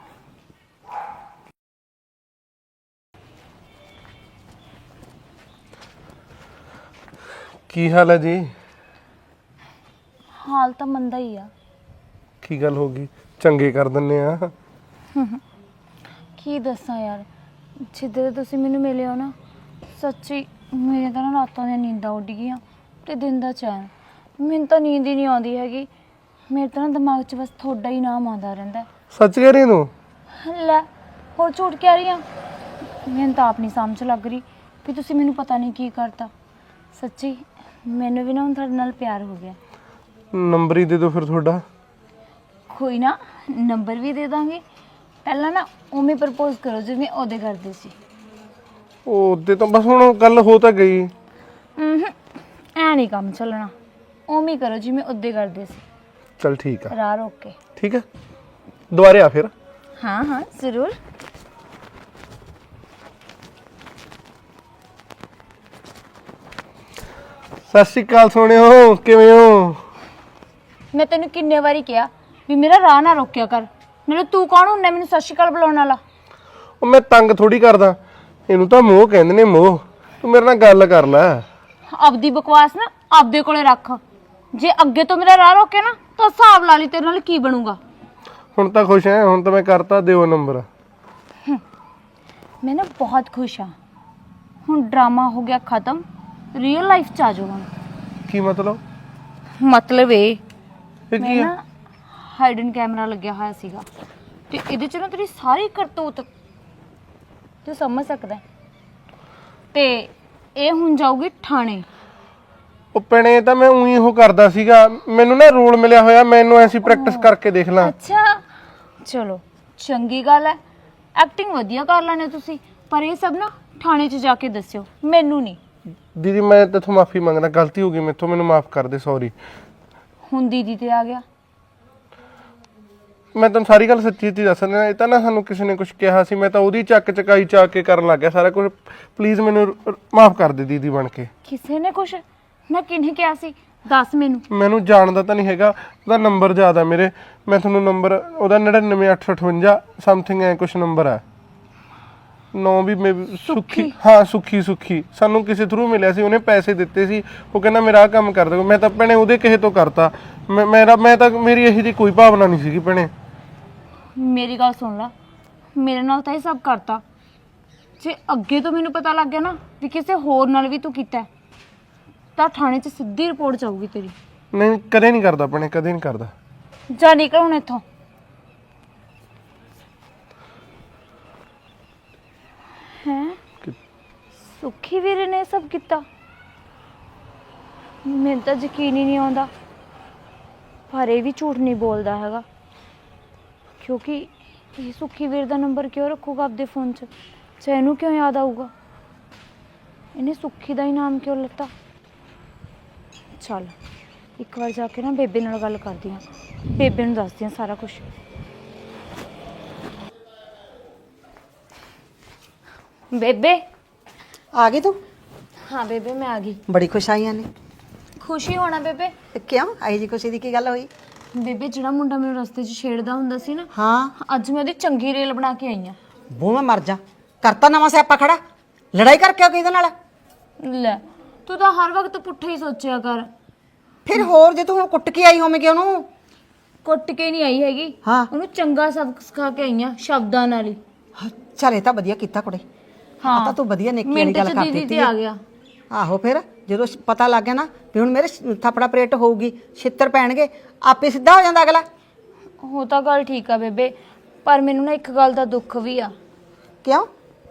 D: ਕੀ ਹਾਲ ਹੈ ਜੀ?
A: ਹਾਲ ਤਾਂ ਮੰਦਾ ਹੀ ਆ।
D: ਕੀ ਗੱਲ ਹੋ ਗਈ? ਚੰਗੇ ਕਰ ਦਿੰਨੇ ਆ।
A: ਕੀ ਦੱਸਾਂ ਯਾਰ, ਜਿੱਦੇ ਤੁਸੀਂ ਮੈਨੂੰ ਮਿਲੇ ਹੋ ਨਾ, ਸੱਚੀ ਮੇਰੇ ਤਾਂ ਨਾ ਰਾਤਾਂ ਦੀਆਂ ਨੀਂਦਾਂ ਉੱਡ ਗਈਆਂ ਤੇ ਦਿਨ ਦਾ ਚੈਨ। ਮੈਨੂੰ ਤਾਂ ਨੀਂਦ ਹੀ ਨਹੀਂ ਆਉਂਦੀ ਹੈਗੀ। ਮੇਰੇ ਤਾਂ ਨਾ ਦਿਮਾਗ 'ਚ ਬਸ ਤੁਹਾਡਾ ਹੀ ਨਾਮ ਆਉਂਦਾ ਰਹਿੰਦਾ।
D: ਸੱਚ ਕਹਿ ਰਹੀ ਤੂੰ?
A: ਲੈ ਹੋਰ ਝੂਠ ਕਹਿ ਰਹੀ ਆ? ਮੈਨੂੰ ਤਾਂ ਆਪ ਨਹੀਂ ਸਮਝ ਲੱਗ ਰਹੀ ਵੀ ਤੁਸੀਂ ਮੈਨੂੰ ਪਤਾ ਨਹੀਂ ਕੀ ਕਰਤਾ। ਸੱਚੀ ਮੈਨੂੰ ਵੀ ਨਾ ਹੁਣ ਤੁਹਾਡੇ ਨਾਲ ਪਿਆਰ ਹੋ ਗਿਆ।
D: ਨੰਬਰ ਹੀ ਦੇ ਦਿਓ ਫਿਰ ਤੁਹਾਡਾ।
A: ਕੋਈ ਨਾ, ਨੰਬਰ ਵੀ ਦੇ ਦਾਂਗੇ। ਪਹਿਲਾਂ ਨਾ ਉਵੇਂ ਪ੍ਰਪੋਜ਼ ਕਰੋ ਜਿਵੇਂ ਉਹਦੇ ਕਰਦੇ ਸੀ।
D: ਉਹਦੇ ਤਾਂ ਬਸ ਹੁਣ ਗੱਲ ਹੋ ਤਾਂ ਗਈ।
A: ਐ ਨਹੀਂ ਕੰਮ ਚੱਲਣਾ। ਉਵੇਂ ਕਰੋ ਜਿਵੇਂ ਉਹਦੇ ਕਰਦੇ ਸੀ।
D: ਚਲ ਠੀਕ ਆ।
A: ਰਾਹ ਰੋਕ ਕੇ।
D: ਠੀਕ ਹੈ, ਦੁਬਾਰੇ ਆ ਫਿਰ।
A: ਹਾਂ ਹਾਂ ਜ਼ਰੂਰ।
D: ਸਤਿ ਸ਼੍ਰੀ ਅਕਾਲ ਸੋਹਣਿਓ, ਕਿਵੇਂ ਹੋ?
A: ਮੈਂ ਤੈਨੂੰ ਕਿੰਨੇ ਵਾਰੀ ਕਿਹਾ ਵੀ ਮੇਰਾ ਰਾਹ ਨਾ ਰੋਕਿਆ ਕਰ। ਨਾਲੇ ਤੂੰ ਕੌਣ ਹੁੰਦਾ ਮੈਨੂੰ ਸਤਿ ਸ਼੍ਰੀ ਅਕਾਲ ਬੁਲਾਉਣ ਵਾਲਾ?
D: ਉਹ ਮੈਂ ਤੰਗ ਥੋੜੀ ਕਰਦਾ, ਇਹਨੂੰ ਤਾਂ ਮੋਹ ਕਹਿੰਦੇ ਨੇ, ਮੋਹ। ਤੂੰ ਮੇਰੇ ਨਾਲ ਗੱਲ ਕਰ ਲੈ।
A: ਆਪਦੀ ਬਕਵਾਸ ਨਾ ਆਪਦੇ ਕੋਲੇ ਰੱਖ। ਜੇ ਅੱਗੇ ਤੋਂ ਮੇਰਾ ਰਾਹ ਰੋਕੇ ਨਾ ਤਾਂ ਹਿਸਾਬ ਲਾ ਲਈ ਤੇਰੇ ਨਾਲ ਕੀ ਬਣੂਗਾ।
D: ਹੁਣ ਤਾਂ ਖੁਸ਼ ਹੈ? ਹੁਣ ਤਾਂ ਮੈਂ ਕਰਤਾ, ਦਿਓ ਨੰਬਰ।
A: ਮੈਂ ਨਾ ਬਹੁਤ ਖੁਸ਼ ਹਾਂ। ਹੁਣ ਡਰਾਮਾ ਹੋ ਗਿਆ ਖਤਮ, ਰੀਅਲ ਲਾਈਫ 'ਚ ਆ ਜਾਓ ਹੁਣ।
D: ਕੀ ਮਤਲਬ?
A: ਮਤਲਬ ਇਹ
D: ਇਹ
A: ਮੈਂ
D: ਕੀ ਆ?
A: ਨਾ ਹਾਈਡਨ ਕੈਮਰਾ ਲੱਗਿਆ ਹੋਇਆ ਸੀਗਾ ਤੇ ਇਹਦੇ 'ਚ ਨਾ ਤੇਰੀ ਸਾਰੀ ਕਰਤੂਤ ਤੂੰ ਸਮਝ ਸਕਦਾ ਹੈ। ਤੇ ਇਹ ਹੁਣ ਜਾਊਗੀ ਥਾਣੇ।
D: ਉਹ ਪਣੇ ਤਾਂ ਮੈਂ ਉਹੀ ਉਹ ਕਰਦਾ ਸੀਗਾ, ਮੈਨੂੰ ਨਾ ਰੋਲ ਮਿਲਿਆ ਹੋਇਆ, ਮੈਨੂੰ ਐਸੀ ਪ੍ਰੈਕਟਿਸ ਕਰਕੇ ਦੇਖ ਲਾਂ।
A: ਅੱਛਾ ਚਲੋ ਚੰਗੀ ਗੱਲ ਹੈ, ਐਕਟਿੰਗ ਵਧੀਆ ਕਰ ਲੈਣੇ ਤੁਸੀਂ। ਪਰ ਇਹ ਸਭ ਨਾ ਥਾਣੇ 'ਚ ਜਾ ਕੇ ਦੱਸਿਓ, ਮੈਨੂੰ ਨਹੀਂ।
D: ਦੀਦੀ ਮੈਂ ਤੇਥੋਂ ਮਾਫੀ ਮੰਗਦਾ, ਗਲਤੀ ਹੋ ਗਈ ਮੇਥੋਂ, ਮੈਨੂੰ ਮਾਫ ਕਰ ਦੇ, ਸੌਰੀ।
A: ਹੁਣ ਦੀਦੀ ਤੇ ਆ ਗਿਆ।
D: ਮੈਂ ਤੁਹਾਨੂੰ ਸਾਰੀ ਗੱਲ ਸੱਚੀ ਸੱਚੀ ਦੱਸ ਰਿਹਾ। ਇਹ ਤਾਂ ਨਾ ਸਾਨੂੰ ਕਿਸੇ ਨੇ ਕੁਝ ਕਿਹਾ ਸੀ, ਮੈਂ ਤਾਂ ਉਹਦੀ ਚੱਕ ਚਕਾਈ ਚਾ ਕੇ ਕਰਨ ਲੱਗ ਗਿਆ ਸਾਰਾ ਕੁਝ। ਪਲੀਜ਼ ਮੈਨੂੰ ਮਾਫ ਕਰ ਦੇ ਦੀਦੀ ਬਣ ਕੇ।
A: ਕਿਸੇ ਨੇ ਕੁਛ ਨਾ, ਕਿਹਨੇ ਕਿਹਾ ਸੀ? ਦੱਸ ਮੈਨੂੰ।
D: ਮੈਨੂੰ ਜਾਣਦਾ ਤਾਂ ਨਹੀਂ ਹੈਗਾ, ਉਹਦਾ ਨੰਬਰ ਯਾਦ ਆ ਮੇਰੇ। ਮੈਂ ਤੁਹਾਨੂੰ ਨੰਬਰ ਉਹਦਾ 99858 ਸਮਥਿੰਗ ਐ ਕੁਛ ਨੰਬਰ ਹੈ। ਨੌ ਵੀ ਸੁੱਖੀ, ਹਾਂ ਸੁੱਖੀ ਸਾਨੂੰ ਕਿਸੇ ਥਰੂ ਮਿਲਿਆ ਸੀ, ਉਹਨੇ ਪੈਸੇ ਦਿੱਤੇ ਸੀ। ਉਹ ਕਹਿੰਦਾ ਮੇਰਾ ਆਹ ਕੰਮ ਕਰ ਦਿਓ। ਮੈਂ ਤਾਂ ਭੈਣੇ ਉਹਦੇ ਕਿਸੇ ਤੋਂ ਕਰਤਾ। ਮੈਂ ਤਾਂ ਮੇਰੀ ਇਹੀ ਜਿਹੀ ਕੋਈ ਭਾਵਨਾ ਨਹੀਂ ਸੀਗੀ ਭੈਣੇ।
A: ਮੇਰੀ ਗੱਲ ਸੁਣ ਲਾ, ਮੇਰੇ ਨਾਲ ਤਾਂ ਇਹ ਸਭ ਕਰਤਾ। ਜੇ ਅੱਗੇ ਤੋਂ ਮੈਨੂੰ ਪਤਾ ਲੱਗ ਗਿਆ ਨਾ ਵੀ ਕਿਸੇ ਹੋਰ ਨਾਲ ਵੀ ਤੂੰ ਕੀਤਾ ਹੈ, ਤਾਂ ਥਾਣੇ 'ਚ ਸਿੱਧੀ ਰਿਪੋਰਟ ਜਾਊਗੀ ਤੇਰੀ।
D: ਨਹੀਂ ਕਦੇ ਨਹੀਂ ਕਰਦਾ ਭੈਣੇ, ਕਦੇ ਨਹੀਂ ਕਰਦਾ।
A: ਜਾ ਨਿਕਲ ਹੁਣ ਇੱਥੋਂ। ਹੈਂ? ਸੁੱਖੀ ਵੀਰੇ ਨੇ ਇਹ ਸਭ ਕੀਤਾ? ਮੈਨੂੰ ਤਾਂ ਯਕੀਨ ਹੀ ਨਹੀਂ ਆਉਂਦਾ। ਪਰ ਇਹ ਵੀ ਝੂਠ ਨਹੀਂ ਬੋਲਦਾ ਹੈਗਾ, ਕਿਉਂਕਿ ਇਹ ਸੁੱਖੀ ਵੀਰ ਦਾ ਨੰਬਰ ਕਿਉਂ ਰੱਖੂਗਾ ਆਪਦੇ ਫੋਨ 'ਚ? ਚਾਹੇ ਇਹਨੂੰ ਕਿਉਂ ਯਾਦ ਆਊਗਾ? ਇਹਨੇ ਸੁੱਖੀ ਦਾ ਹੀ ਨਾਮ ਕਿਉਂ ਲੱਤਾ? ਚੱਲ ਇੱਕ ਵਾਰ ਜਾ ਕੇ ਨਾ ਬੇਬੇ ਨਾਲ ਗੱਲ ਕਰਦੀ ਹਾਂ, ਬੇਬੇ ਨੂੰ ਦੱਸਦੀ ਹਾਂ ਸਾਰਾ ਕੁਝ। ਬੇਬੇ
C: ਆ ਗਈ ਤੂੰ?
A: ਹਾਂ ਬੇਬੇ ਮੈਂ ਆ ਗਈ।
C: ਬੜੀ ਖੁਸ਼ ਆਈਆਂ ਨੇ।
A: ਖੁਸ਼ੀ ਹੋਣਾ ਬੇਬੇ।
C: ਤੇ ਕਿਉਂ ਆਈ ਜੀ ਖੁਸ਼ੀ ਦੀ ਕੀ ਗੱਲ ਹੋਈ?
A: ਬੇਬੇ ਜਿਹੜਾ ਮੁੰਡਾ ਮੈਨੂੰ ਰਸਤੇ 'ਚ ਛੇੜਦਾ ਹੁੰਦਾ ਸੀ ਨਾ,
C: ਹਾਂ
A: ਅੱਜ ਮੈਂ ਉਹਦੀ ਚੰਗੀ ਰੇਲ ਬਣਾ ਕੇ ਆਈ ਆ।
C: ਬੂ ਮੈਂ ਮਰ ਜਾ, ਕਰਤਾ ਨਵਾਂ ਸਿਆਪਾ ਖੜਾ। ਲੜਾਈ ਕਰਕੇ ਕਿਹਦੇ ਨਾਲ?
A: ਲੈ ਤੂੰ ਤਾਂ ਹਰ ਵਕਤ ਪੁੱਠਾ ਹੀ ਸੋਚਿਆ ਕਰ।
C: ਫਿਰ ਹੋਰ ਜੇ ਤੂੰ ਹੁਣ ਕੁੱਟ ਕੇ ਆਈ ਹੋਵੇਂਗੀ ਉਹਨੂੰ?
A: ਕੁੱਟ ਕੇ ਨਹੀਂ ਆਈ ਹੈਗੀ,
C: ਹਾਂ
A: ਉਹਨੂੰ ਚੰਗਾ ਸਬਕ ਸਿਖਾ ਕੇ ਆਈ ਆ ਸ਼ਬਦਾਂ ਨਾਲ ਹੀ।
C: ਚੱਲ ਇਹ ਤਾਂ ਵਧੀਆ ਕੀਤਾ ਕੁੜੇ। ਹਾਂ ਤਾਂ ਤੂੰ ਵਧੀਆ ਨੇਕੀ ਵਾਲੀ
A: ਮਿੰਟ
C: ਗੱਲ
A: 'ਚ
C: ਕਰ
A: ਦੀਦੀ
C: ਦਿੱਤੀ
A: ਤੇ ਆ ਗਿਆ।
C: ਆਹੋ ਫਿਰ ਜਦੋਂ ਪਤਾ ਲੱਗ ਗਿਆ ਨਾ ਵੀ ਹੁਣ ਮੇਰੇ ਥਾਪੜਾ ਪਰੇਟ ਹੋਊਗੀ, ਛਿੱਤਰ ਪੈਣਗੇ, ਆਪੇ ਸਿੱਧਾ ਹੋ ਜਾਂਦਾ ਅਗਲਾ।
A: ਉਹ ਤਾਂ ਗੱਲ ਠੀਕ ਆ ਬੇਬੇ, ਪਰ ਮੈਨੂੰ ਨਾ ਇੱਕ ਗੱਲ ਦਾ ਦੁੱਖ ਵੀ ਆ।
C: ਕਿਉਂ?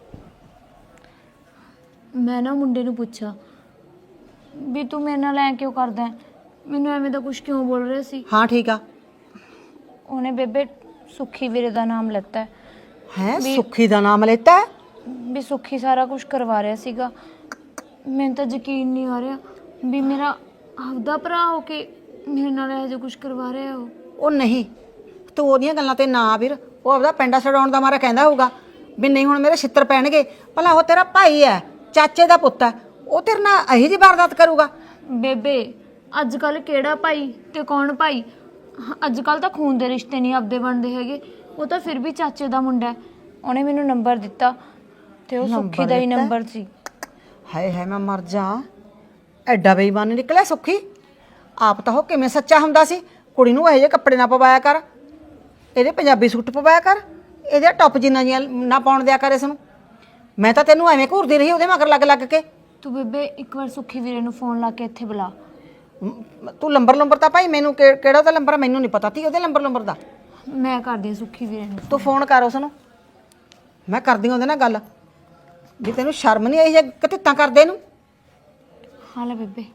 A: ਮੈਂ ਨਾ ਮੁੰਡੇ ਨੂੰ ਪੁੱਛਿਆ ਵੀ ਤੂੰ ਮੇਰੇ ਨਾਲ ਐ ਕਿਉਂ ਕਰਦਾ ਹੈ? ਮੈਨੂੰ ਐਵੇਂ ਦਾ ਕੁਝ ਕਿਉਂ ਬੋਲ ਰਿਹਾ ਸੀ?
C: ਹਾਂ ਠੀਕ ਆ।
A: ਉਹਨੇ ਬੇਬੇ ਸੁੱਖੀ ਵੀਰੇ ਦਾ ਨਾਮ ਲੈਤਾ
C: ਹੈ ਸੁੱਖੀ ਦਾ ਨਾਮ ਲੈਤਾ?
A: ਵੀ ਸੁੱਖੀ ਸਾਰਾ ਕੁਝ ਕਰਵਾ ਰਿਹਾ ਸੀਗਾ। ਮੈਨੂੰ ਤਾਂ ਯਕੀਨ ਨਹੀਂ ਆ ਰਿਹਾ ਵੀ ਮੇਰਾ ਆਪਦਾ ਭਰਾ ਹੋ ਕੇ ਮੇਰੇ ਨਾਲ ਇਹੋ ਜਿਹਾ ਕੁਝ ਕਰਵਾ ਰਿਹਾ
C: ਉਹ ਨਹੀਂ, ਤੂੰ ਉਹਦੀਆਂ ਗੱਲਾਂ ਤੇ ਨਾ ਵੀਰ। ਉਹ ਆਪਦਾ ਪਿੰਡਾ ਛਡਾਉਣ ਦਾ ਮਾਰਾ ਕਹਿੰਦਾ ਹੋਊਗਾ ਵੀ ਨਹੀਂ ਹੁਣ ਮੇਰੇ ਛਿੱਤਰ ਪੈਣਗੇ। ਭਲਾ ਉਹ ਤੇਰਾ ਭਾਈ ਹੈ, ਚਾਚੇ ਦਾ ਪੁੱਤ ਹੈ, ਉਹ ਤੇਰੇ ਨਾਲ ਇਹੀ ਜਿਹੀ ਵਾਰਦਾਤ ਕਰੂਗਾ?
A: ਬੇਬੇ ਅੱਜ ਕੱਲ ਕਿਹੜਾ ਭਾਈ ਤੇ ਕੌਣ ਭਾਈ? ਅੱਜ ਕੱਲ ਤਾਂ ਖੂਨ ਦੇ ਰਿਸ਼ਤੇ ਨਹੀਂ ਆਪਦੇ ਬਣਦੇ ਹੈਗੇ। ਉਹ ਤਾਂ ਫਿਰ ਵੀ ਚਾਚੇ ਦਾ ਮੁੰਡਾ ਹੈ। ਉਹਨੇ ਮੈਨੂੰ ਨੰਬਰ ਦਿੱਤਾ ਤੇ ਉਹ ਸੁੱਖੀ ਦਾ ਹੀ ਨੰਬਰ ਸੀ।
C: ਹਾਏ ਹਾਏ ਮੈਂ ਮਰ ਜਾ, ਐਡਾ ਬੇਈਮਾਨ ਨਿਕਲਿਆ ਸੁੱਖੀ। ਆਪ ਤਾਂ ਉਹ ਕਿਵੇਂ ਸੱਚਾ ਹੁੰਦਾ ਸੀ। ਕੁੜੀ ਨੂੰ ਇਹੋ ਜਿਹੇ ਕੱਪੜੇ ਨਾ ਪਵਾਇਆ ਕਰ, ਇਹਦੇ ਪੰਜਾਬੀ ਸੂਟ ਪਵਾਇਆ ਕਰ, ਇਹਦੇ ਟੌਪ ਜਿੰਨਾ ਜੀਆਂ ਨਾ ਪਾਉਣ ਦਿਆ ਕਰ ਇਸ ਨੂੰ। ਮੈਂ ਤਾਂ ਤੈਨੂੰ ਐਵੇਂ ਘੂਰਦੀ ਰਹੀ ਉਹਦੇ ਮਗਰ ਲੱਗ ਕੇ।
A: ਤੂੰ ਬੇਬੇ ਇੱਕ ਵਾਰ ਸੁੱਖੀ ਵੀਰੇ ਨੂੰ ਫੋਨ ਲਾ ਕੇ ਇੱਥੇ ਬੁਲਾ।
C: ਤੂੰ ਲੰਬਰ ਤਾਂ ਭਾਈ ਮੈਨੂੰ ਕਿਹੜਾ ਉਹਦਾ ਨੰਬਰ ਮੈਨੂੰ ਨਹੀਂ ਪਤਾ ਤੀ ਉਹਦੇ ਨੰਬਰ ਦਾ।
A: ਮੈਂ ਕਰਦੀ ਹਾਂ ਸੁੱਖੀ ਵੀਰੇ ਨੂੰ।
C: ਤੂੰ ਫੋਨ ਕਰ ਉਸ ਨੂੰ, ਮੈਂ ਕਰਦੀ ਉਹਦੇ ਨਾਲ ਗੱਲ। ਵੀ ਤੈਨੂੰ ਸ਼ਰਮ ਨਹੀਂ ਆਈ ਜੇ ਕਤਿੱਤਾਂ ਕਰਦੇ ਨੂੰ?
A: ਹਾਂ ਲੈ ਬੇਬੇ।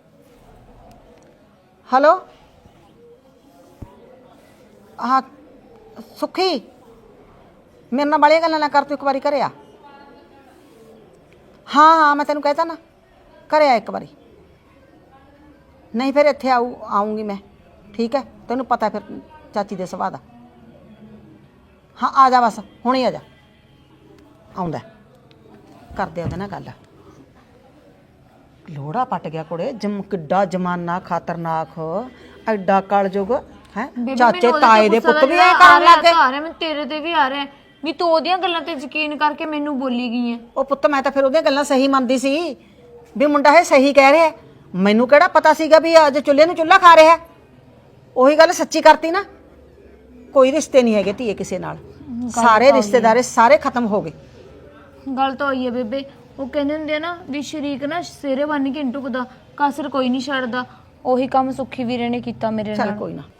C: ਹੈਲੋ ਹਾਂ ਸੁੱਖੀ, ਮੇਰੇ ਨਾਲ ਬਾਲੀਆਂ ਗੱਲਾਂ ਨਾ ਕਰ, ਤੂੰ ਇੱਕ ਵਾਰੀ ਘਰੇ ਆ। ਹਾਂ ਮੈਂ ਤੈਨੂੰ ਕਹਿਤਾ ਨਾ ਘਰੇ ਆ ਇੱਕ ਵਾਰੀ। ਨਹੀਂ ਫਿਰ ਇੱਥੇ ਆਉਂਗੀ ਮੈਂ, ਠੀਕ ਹੈ? ਤੈਨੂੰ ਪਤਾ ਫਿਰ ਚਾਚੀ ਦੇ ਸੁਭਾਅ ਦਾ। ਹਾਂ ਆ ਜਾ, ਬਸ ਹੁਣੇ ਆ ਜਾ। ਆਉਂਦਾ ਕਰਦੇ ਉਹਦੇ ਨਾਲ ਗੱਲ। ਲੋੜਾ ਪੱਟ ਗਿਆ ਕੁੜੇ, ਕਿੱਡਾ ਜਮਾਨਾ ਖਤਰਨਾਕ, ਐਡਾ ਕਲਯੁਗ ਹੈ। ਚਾਚੇ ਤਾਏ ਦੇ ਪੁੱਤ ਵੀ ਐ ਕਰਨ ਲੱਗ ਗਏ।
A: ਮੈਂ ਤੇਰੇ ਤੇ ਵੀ ਆ ਰਿਹਾ ਵੀ ਤੂੰ ਉਹਦੀਆਂ ਗੱਲਾਂ ਤੇ ਯਕੀਨ ਕਰਕੇ ਮੈਨੂੰ ਬੋਲੀ ਗਈ ਹੈ।
C: ਉਹ ਪੁੱਤ ਮੈਂ ਤਾਂ ਫਿਰ ਉਹਦੀਆਂ ਗੱਲਾਂ ਸਹੀ ਮੰਨਦੀ ਸੀ ਵੀ ਮੁੰਡਾ ਇਹ ਸਹੀ ਕਹਿ ਰਿਹਾ। ਮੈਨੂੰ ਕਿਹੜਾ ਪਤਾ ਸੀਗਾ ਵੀ ਅੱਜ ਚੁੱਲ੍ਹੇ ਨੂੰ ਚੁੱਲ੍ਹਾ ਖਾ ਰਿਹਾ। ਉਹੀ ਗੱਲ ਸੱਚੀ ਕਰਤੀ ਨਾ। ਕੋਈ ਰਿਸ਼ਤੇ ਨਹੀਂ ਹੈਗੇ ਧੀਏ ਕਿਸੇ ਨਾਲ, ਸਾਰੇ ਰਿਸ਼ਤੇਦਾਰੇ ਸਾਰੇ ਖਤਮ ਹੋ ਗਏ।
A: ਗੱਲ ਤਾਂ ਹੋਈ ਹੈ ਬੇਬੇ। ਉਹ ਕਹਿੰਦੇ ਹੁੰਦੇ ਆ ਨਾ ਵੀ ਸ਼ਰੀਕ ਨਾ ਸਿਰੇ ਬੰਨ ਕੇ ਟੁਕਦਾ, ਕਸਰ ਕੋਈ ਨਹੀਂ ਛੱਡਦਾ। ਉਹੀ ਕੰਮ ਸੁੱਖੀ ਵੀਰੇ ਨੇ ਕੀਤਾ ਮੇਰੇ ਨਾਲ।
C: ਚੱਲ ਕੋਈ ਨਾ।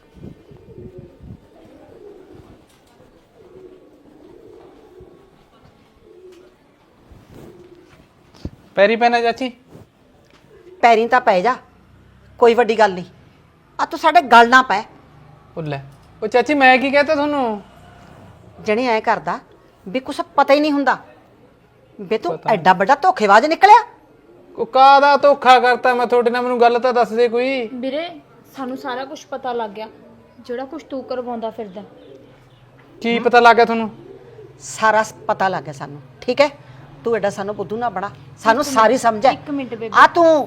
B: ਪੈਰੀ ਪੈਣਾ ਚਾਚੀ?
C: ਪੈਰੀਂ ਤਾਂ ਪੈ ਜਾ, ਕੋਈ ਵੱਡੀ ਗੱਲ ਨਹੀਂ। ਆ ਤੂੰ ਸਾਡੇ ਗੱਲ ਨਾ ਪੈ।
B: ਉਹ ਲੈ, ਉਹ ਚਾਚੀ ਮੈਂ ਕੀ ਕਹਤਾ ਤੁਹਾਨੂੰ?
C: ਜਣੇ ਐ ਕਰਦਾ ਵੀ ਕੁਛ ਪਤਾ ਹੀ ਨਹੀਂ ਹੁੰਦਾ ਵੀ ਤੂੰ ਐਡਾ ਵੱਡਾ ਧੋਖੇਬਾਜ਼ ਨਿਕਲਿਆ।
B: ਉਹ ਕਾਹਦਾ ਧੋਖਾ ਕਰਤਾ ਮੈਂ ਤੁਹਾਡੇ ਨਾਲ? ਮੈਨੂੰ ਗੱਲ ਤਾਂ ਦੱਸ ਦੇ ਕੋਈ।
A: ਵੀਰੇ ਸਾਨੂੰ ਸਾਰਾ ਕੁਝ ਪਤਾ ਲੱਗ ਗਿਆ, ਜਿਹੜਾ ਕੁਝ ਤੂੰ ਕਰਵਾਉਂਦਾ ਫਿਰਦਾ।
B: ਕੀ ਪਤਾ ਲੱਗ ਗਿਆ ਤੁਹਾਨੂੰ?
C: ਸਾਰਾ ਪਤਾ ਲੱਗ ਗਿਆ ਸਾਨੂੰ, ਠੀਕ ਹੈ? ਤੂੰ ਐਡਾ ਸਾਨੂੰ ਬੁੱਧੂ ਨਾ ਬਣਾ, ਸਾਨੂੰ ਸਾਰੀ ਸਮਝ ਹੈ।
A: ਇੱਕ ਮਿੰਟ ਬੇਬੇ।
C: ਆ ਤੂੰ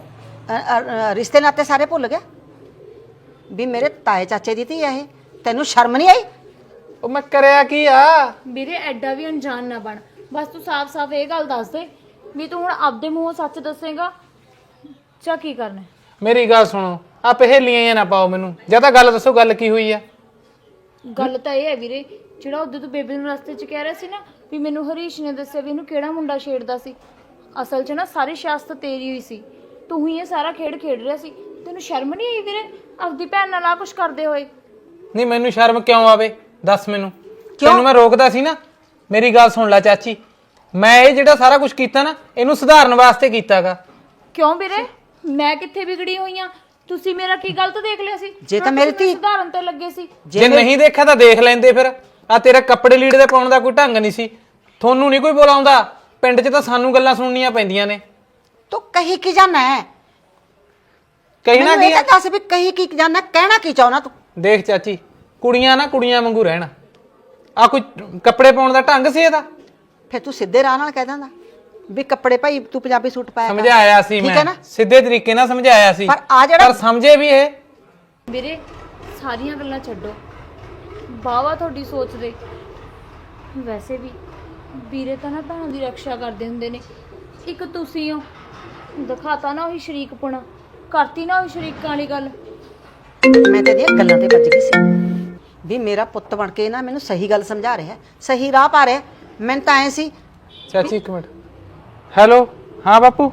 C: ਰਿਸ਼ਤੇ ਨਾਤੇ ਸਾਰੇ ਭੁੱਲ ਗਿਆ ਵੀ ਮੇਰੇ ਤਾਏ ਚਾਚੇ ਦੀ ਧੀ ਆ ਇਹ। ਤੈਨੂੰ ਸ਼ਰਮ ਨਹੀਂ ਆਈ?
B: ਉਹ ਮੈਂ ਕਰਿਆ ਕੀ ਆ?
A: ਵੀਰੇ ਐਡਾ ਵੀ ਅਣਜਾਣ ਨਾ ਬਣ, ਬਸ ਤੂੰ ਸਾਫ਼-ਸਾਫ਼ ਇਹ ਗੱਲ ਦੱਸ ਦੇ ਵੀ ਤੂੰ ਹੁਣ ਆਪਦੇ ਮੂੰਹੋਂ ਸੱਚ ਦੱਸੇਗਾ ਜਾਂ ਕੀ ਕਰਨਾ ਹੈ?
B: ਮੇਰੀ ਗੱਲ ਸੁਣੋ, ਆ ਪਹੇਲੀਆਂ ਹੀ ਨਾ ਪਾਓ ਮੈਨੂੰ, ਜਾਂ ਤਾਂ ਗੱਲ ਦੱਸੋ ਗੱਲ ਕੀ ਹੋਈ ਆ।
A: ਗੱਲ ਤਾਂ ਇਹ ਹੈ ਵੀਰੇ, ਜਿਹੜਾ ਉਦੋਂ ਤੂੰ ਬੇਬੇ ਨੂੰ ਰਸਤੇ 'ਚ ਕਹਿ ਰਿਹਾ ਸੀ ਨਾ ਵੀ ਮੈਨੂੰ ਹਰੀਸ਼ ਨੇ ਦੱਸਿਆ ਵੀ ਇਹਨੂੰ ਕਿਹੜਾ ਮੁੰਡਾ ਛੇੜਦਾ ਸੀ, ਅਸਲ 'ਚ ਨਾ ਸਾਰੀ ਸਿਆਸਤ ਤੇਰੀ ਹੋਈ ਸੀ। ਤੂੰ ਹੀ ਇਹ ਸਾਰਾ ਖੇਡ ਰਿਹਾ ਸੀ। ਤੈਨੂੰ ਸ਼ਰਮ ਨਹੀਂ ਆਈ ਵੀਰੇ ਆਪਦੀ ਭੈਣ ਨਾਲ ਆ ਕੁਛ ਕਰਦੇ ਹੋਏ?
B: ਨਹੀਂ ਮੈਨੂੰ ਸ਼ਰਮ ਕਿਉਂ ਆਵੇ, ਦੱਸ ਮੈਨੂੰ। ਤੈਨੂੰ ਮੈਂ ਰੋਕਦਾ ਸੀ ਨਾ? ਮੇਰੀ ਗੱਲ ਸੁਣ ਲੈ ਚਾਚੀ, ਮੈਂ ਇਹ ਜਿਹੜਾ ਸਾਰਾ ਕੁਝ ਕੀਤਾ ਨਾ, ਇਹਨੂੰ ਸੁਧਾਰਨ ਵਾਸਤੇ ਕੀਤਾਗਾ।
A: ਕਿਉਂ ਵੀਰੇ, ਮੈਂ ਕਿੱਥੇ ਵਿਗੜੀ ਹੋਈ ਆ? ਤੁਸੀਂ ਮੇਰਾ ਕੀ ਗਲਤ ਦੇਖ ਲਿਆ ਸੀ?
C: ਜੇ ਤਾਂ ਮੇਰੀ ਧੀ
A: ਸੁਧਾਰਨ ਤੇ ਲੱਗੇ ਸੀ।
B: ਜੇ ਨਹੀਂ ਦੇਖਿਆ ਤਾਂ ਦੇਖ ਲੈਂਦੇ ਫਿਰ। ਆ ਤੇਰੇ ਕੱਪੜੇ ਲੀੜੇ ਦੇ ਪਾਉਣ ਦਾ ਕੋਈ ਢੰਗ ਨਹੀਂ ਸੀ। ਤੁਹਾਨੂੰ ਨਹੀਂ ਕੋਈ ਬੁਲਾਉਂਦਾ, ਪਿੰਡ 'ਚ ਤਾਂ ਸਾਨੂੰ ਗੱਲਾਂ ਸੁਣਨੀਆਂ ਪੈਂਦੀਆਂ ਨੇ।
C: ਤੂੰ ਕਹੀ ਕੀ ਜਾਣਾ ਹੈ?
B: ਕਹਿਣਾ
C: ਮੈਨੂੰ
B: ਕੀ
C: ਇਹ
B: ਆ?
C: ਤਾਂ ਦੱਸ ਵੀ ਕਹੀ ਕੀ ਜਾਣਾ, ਕਹਿਣਾ ਕੀ ਚਾਹੁੰਦਾ ਤੂੰ?
B: ਦੇਖ ਚਾਚੀ, ਕੁੜੀਆਂ ਨਾ ਕੁੜੀਆਂ ਵਾਂਗੂ ਰਹਿਣ। ਆ ਕੋਈ ਕੱਪੜੇ ਪਾਉਣ ਦਾ ਢੰਗ ਸੀ ਇਹਦਾ?
C: ਫਿਰ ਤੂੰ ਸਿੱਧੇ ਰਾਹ ਨਾਲ ਕਹਿ ਦਿੰਦਾ ਵੀ ਕੱਪੜੇ ਭਾਈ ਤੂੰ ਪੰਜਾਬੀ ਸੂਟ ਪਾਇਆ ਕਰ।
B: ਸਮਝਾਇਆ ਸੀ
C: ਠੀਕ ਹੈ
B: ਮੈਂ,
C: ਨਾ?
B: ਸਿੱਧੇ ਤਰੀਕੇ ਨਾਲ ਸਮਝਾਇਆ ਸੀ,
C: ਪਰ ਆ ਜਿਹੜਾ-
B: ਪਰ ਸਮਝੇ ਵੀ ਇਹ।
A: ਵੀਰੇ ਸਾਰੀਆਂ ਗੱਲਾਂ ਛੱਡੋ, ਬਾਵਾ ਤੁਹਾਡੀ ਸੋਚ ਦੇ। ਵੈਸੇ ਵੀ ਵੀਰੇ ਤਾਂ ਨਾ ਭੈਣਾਂ ਦੀ ਰੱਖਿਆ ਕਰਦੇ ਹੁੰਦੇ ਨੇ, ਇੱਕ ਤੁਸੀਂ ਹੋ। ਦਿਖਾਤਾ ਨਾ ਉਹੀ ਸ਼ਰੀਕਪੁਣਾ, ਕਰਤੀ ਨਾ ਉਹੀ ਸ਼ਰੀਕਾਂ ਵਾਲੀ ਗੱਲ।
C: ਮੈਂ ਤੇਰੀਆਂ ਗੱਲਾਂ ਤੇ ਵੱਜ ਗਈ ਸੀ ਵੀ ਮੇਰਾ ਪੁੱਤ ਬਣ ਕੇ ਨਾ ਮੈਨੂੰ ਸਹੀ ਗੱਲ ਸਮਝਾ ਰਿਹਾ, ਸਹੀ ਰਾਹ ਪਾ ਰਿਹਾ। ਮੈਨੂੰ ਤਾਂ ਐ ਸੀ
B: ਚਾਚੀ ਇੱਕ ਮਿੰਟ। ਹੈਲੋ, ਹਾਂ ਬਾਪੂ।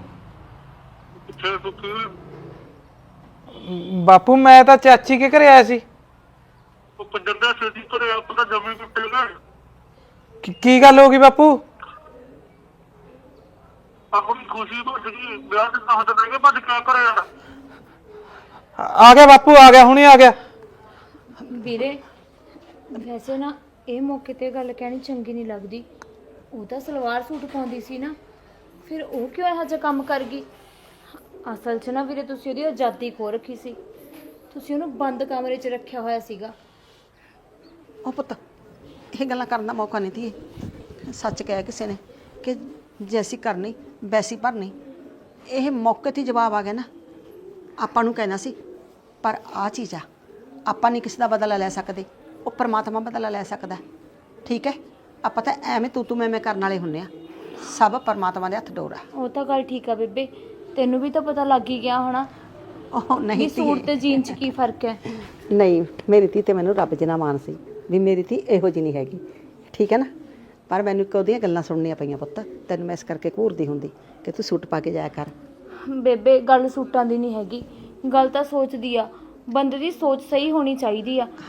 B: ਬਾਪੂ ਮੈਂ ਤਾਂ ਚਾਚੀ ਕੇ ਘਰੇ ਆਇਆ ਸੀ।
G: ਉਹ ਪੰਜਾਬੀ ਸੇਦੀ ਕਰੇ ਆਪਣਾ ਜਮੀ ਕੁੱਟੇਗਾ।
B: ਕੀ ਗੱਲ ਹੋ ਗਈ ਬਾਪੂ?
G: ਆਪਣੀ ਖੁਸ਼ੀ ਭੱਜ ਗਈ, ਵਿਆਹ ਤੇ ਦੱਸ ਦੇਣਗੇ ਭੱਜ ਕੇ ਕਰੇ ਯਾਰ।
B: ਆ ਗਿਆ ਬਾਪੂ, ਆ ਗਿਆ, ਹੁਣੇ ਆ ਗਿਆ।
A: ਵੀਰੇ ਵੈਸੇ ਨਾ ਇਹ ਮੌਕੇ ਤੇ ਗੱਲ ਕਹਿਣੀ ਚੰਗੀ ਨਹੀਂ ਲੱਗਦੀ। ਉਹ ਤਾਂ ਸਲਵਾਰ ਸੂਟ ਪਾਉਂਦੀ ਸੀ ਨਾ, ਫਿਰ ਉਹ ਕਿਉਂ ਇਹੋ ਜਿਹਾ ਕੰਮ ਕਰ ਗਈ? ਅਸਲ 'ਚ ਨਾ ਵੀਰੇ ਤੁਸੀਂ ਉਹਦੀ ਆਜ਼ਾਦੀ ਖੋ ਰੱਖੀ ਸੀ। ਤੁਸੀਂ ਉਹਨੂੰ ਬੰਦ ਕਮਰੇ 'ਚ ਰੱਖਿਆ ਹੋਇਆ ਸੀਗਾ।
C: ਉਹ ਪੁੱਤ ਇਹ ਗੱਲਾਂ ਕਰਨ ਦਾ ਮੌਕਾ ਨਹੀਂ ਤੀ। ਸੱਚ ਕਹਿਆ ਕਿਸੇ ਨੇ ਕਿ ਜੈਸੀ ਕਰਨੀ ਵੈਸੀ ਭਰਨੀ। ਇਹ ਮੌਕੇ 'ਤੇ ਜਵਾਬ ਆ ਗਿਆ ਨਾ, ਆਪਾਂ ਨੂੰ ਕਹਿਣਾ ਸੀ। ਪਰ ਆ ਚੀਜ਼ ਆ, ਆਪਾਂ ਨਹੀਂ ਕਿਸੇ ਦਾ ਬਦਲਾ ਲੈ ਸਕਦੇ, ਉਹ ਪਰਮਾਤਮਾ ਬਦਲਾ ਲੈ ਸਕਦਾ। ਠੀਕ ਹੈ, ਆਪਾਂ ਤਾਂ ਐਵੇਂ ਤੂੰ ਮੈਂ ਕਰਨ ਵਾਲੇ ਹੁੰਨੇ ਆ। ਸਭ ਪਰਮਾਤਮਾ ਦੇ ਹੱਥ ਡੋਰ ਆ।
A: ਉਹ ਤਾਂ ਗੱਲ ਠੀਕ ਆ ਬੇਬੇ, ਤੈਨੂੰ ਵੀ ਤਾਂ ਪਤਾ ਲੱਗ ਹੀ ਗਿਆ ਹੋਣਾ
C: ਉਹ
A: ਵੀ
C: ਨਹੀਂ
A: ਸੂਟ ਤੇ ਜੀਨ 'ਚ ਕੀ ਫਰਕ ਹੈ।
C: ਨਹੀਂ, ਮੇਰੀ ਧੀ ਤੇ ਮੈਨੂੰ ਰੱਬ ਜਿੰਨਾ ਮਾਣ ਸੀ ਵੀ ਮੇਰੀ ਧੀ ਇਹੋ ਜਿਹੀ ਨਹੀਂ ਹੈਗੀ। ਠੀਕ ਹੈ ਨਾ? ਪਰ ਮੈਨੂੰ ਇੱਕ ਉਹਦੀਆਂ ਗੱਲਾਂ ਸੁਣਨੀਆਂ ਪਈਆਂ ਪੁੱਤ। ਤੈਨੂੰ ਮੈਂ ਇਸ ਕਰਕੇ ਘੂਰਦੀ ਹੁੰਦੀ ਕਿ ਤੂੰ ਸੂਟ ਪਾ ਕੇ ਜਾਇਆ ਕਰ।
A: ਬੇਬੇ ਗੱਲ ਸੂਟਾਂ ਦੀ ਨਹੀਂ ਹੈਗੀ, ਗੱਲ ਤਾਂ ਸੋਚ ਦੀ ਆ। ਬੰਦੇ ਦੀ ਸੋਚ ਸਹੀ ਹੋਣੀ ਚਾਹੀਦੀ ਆ।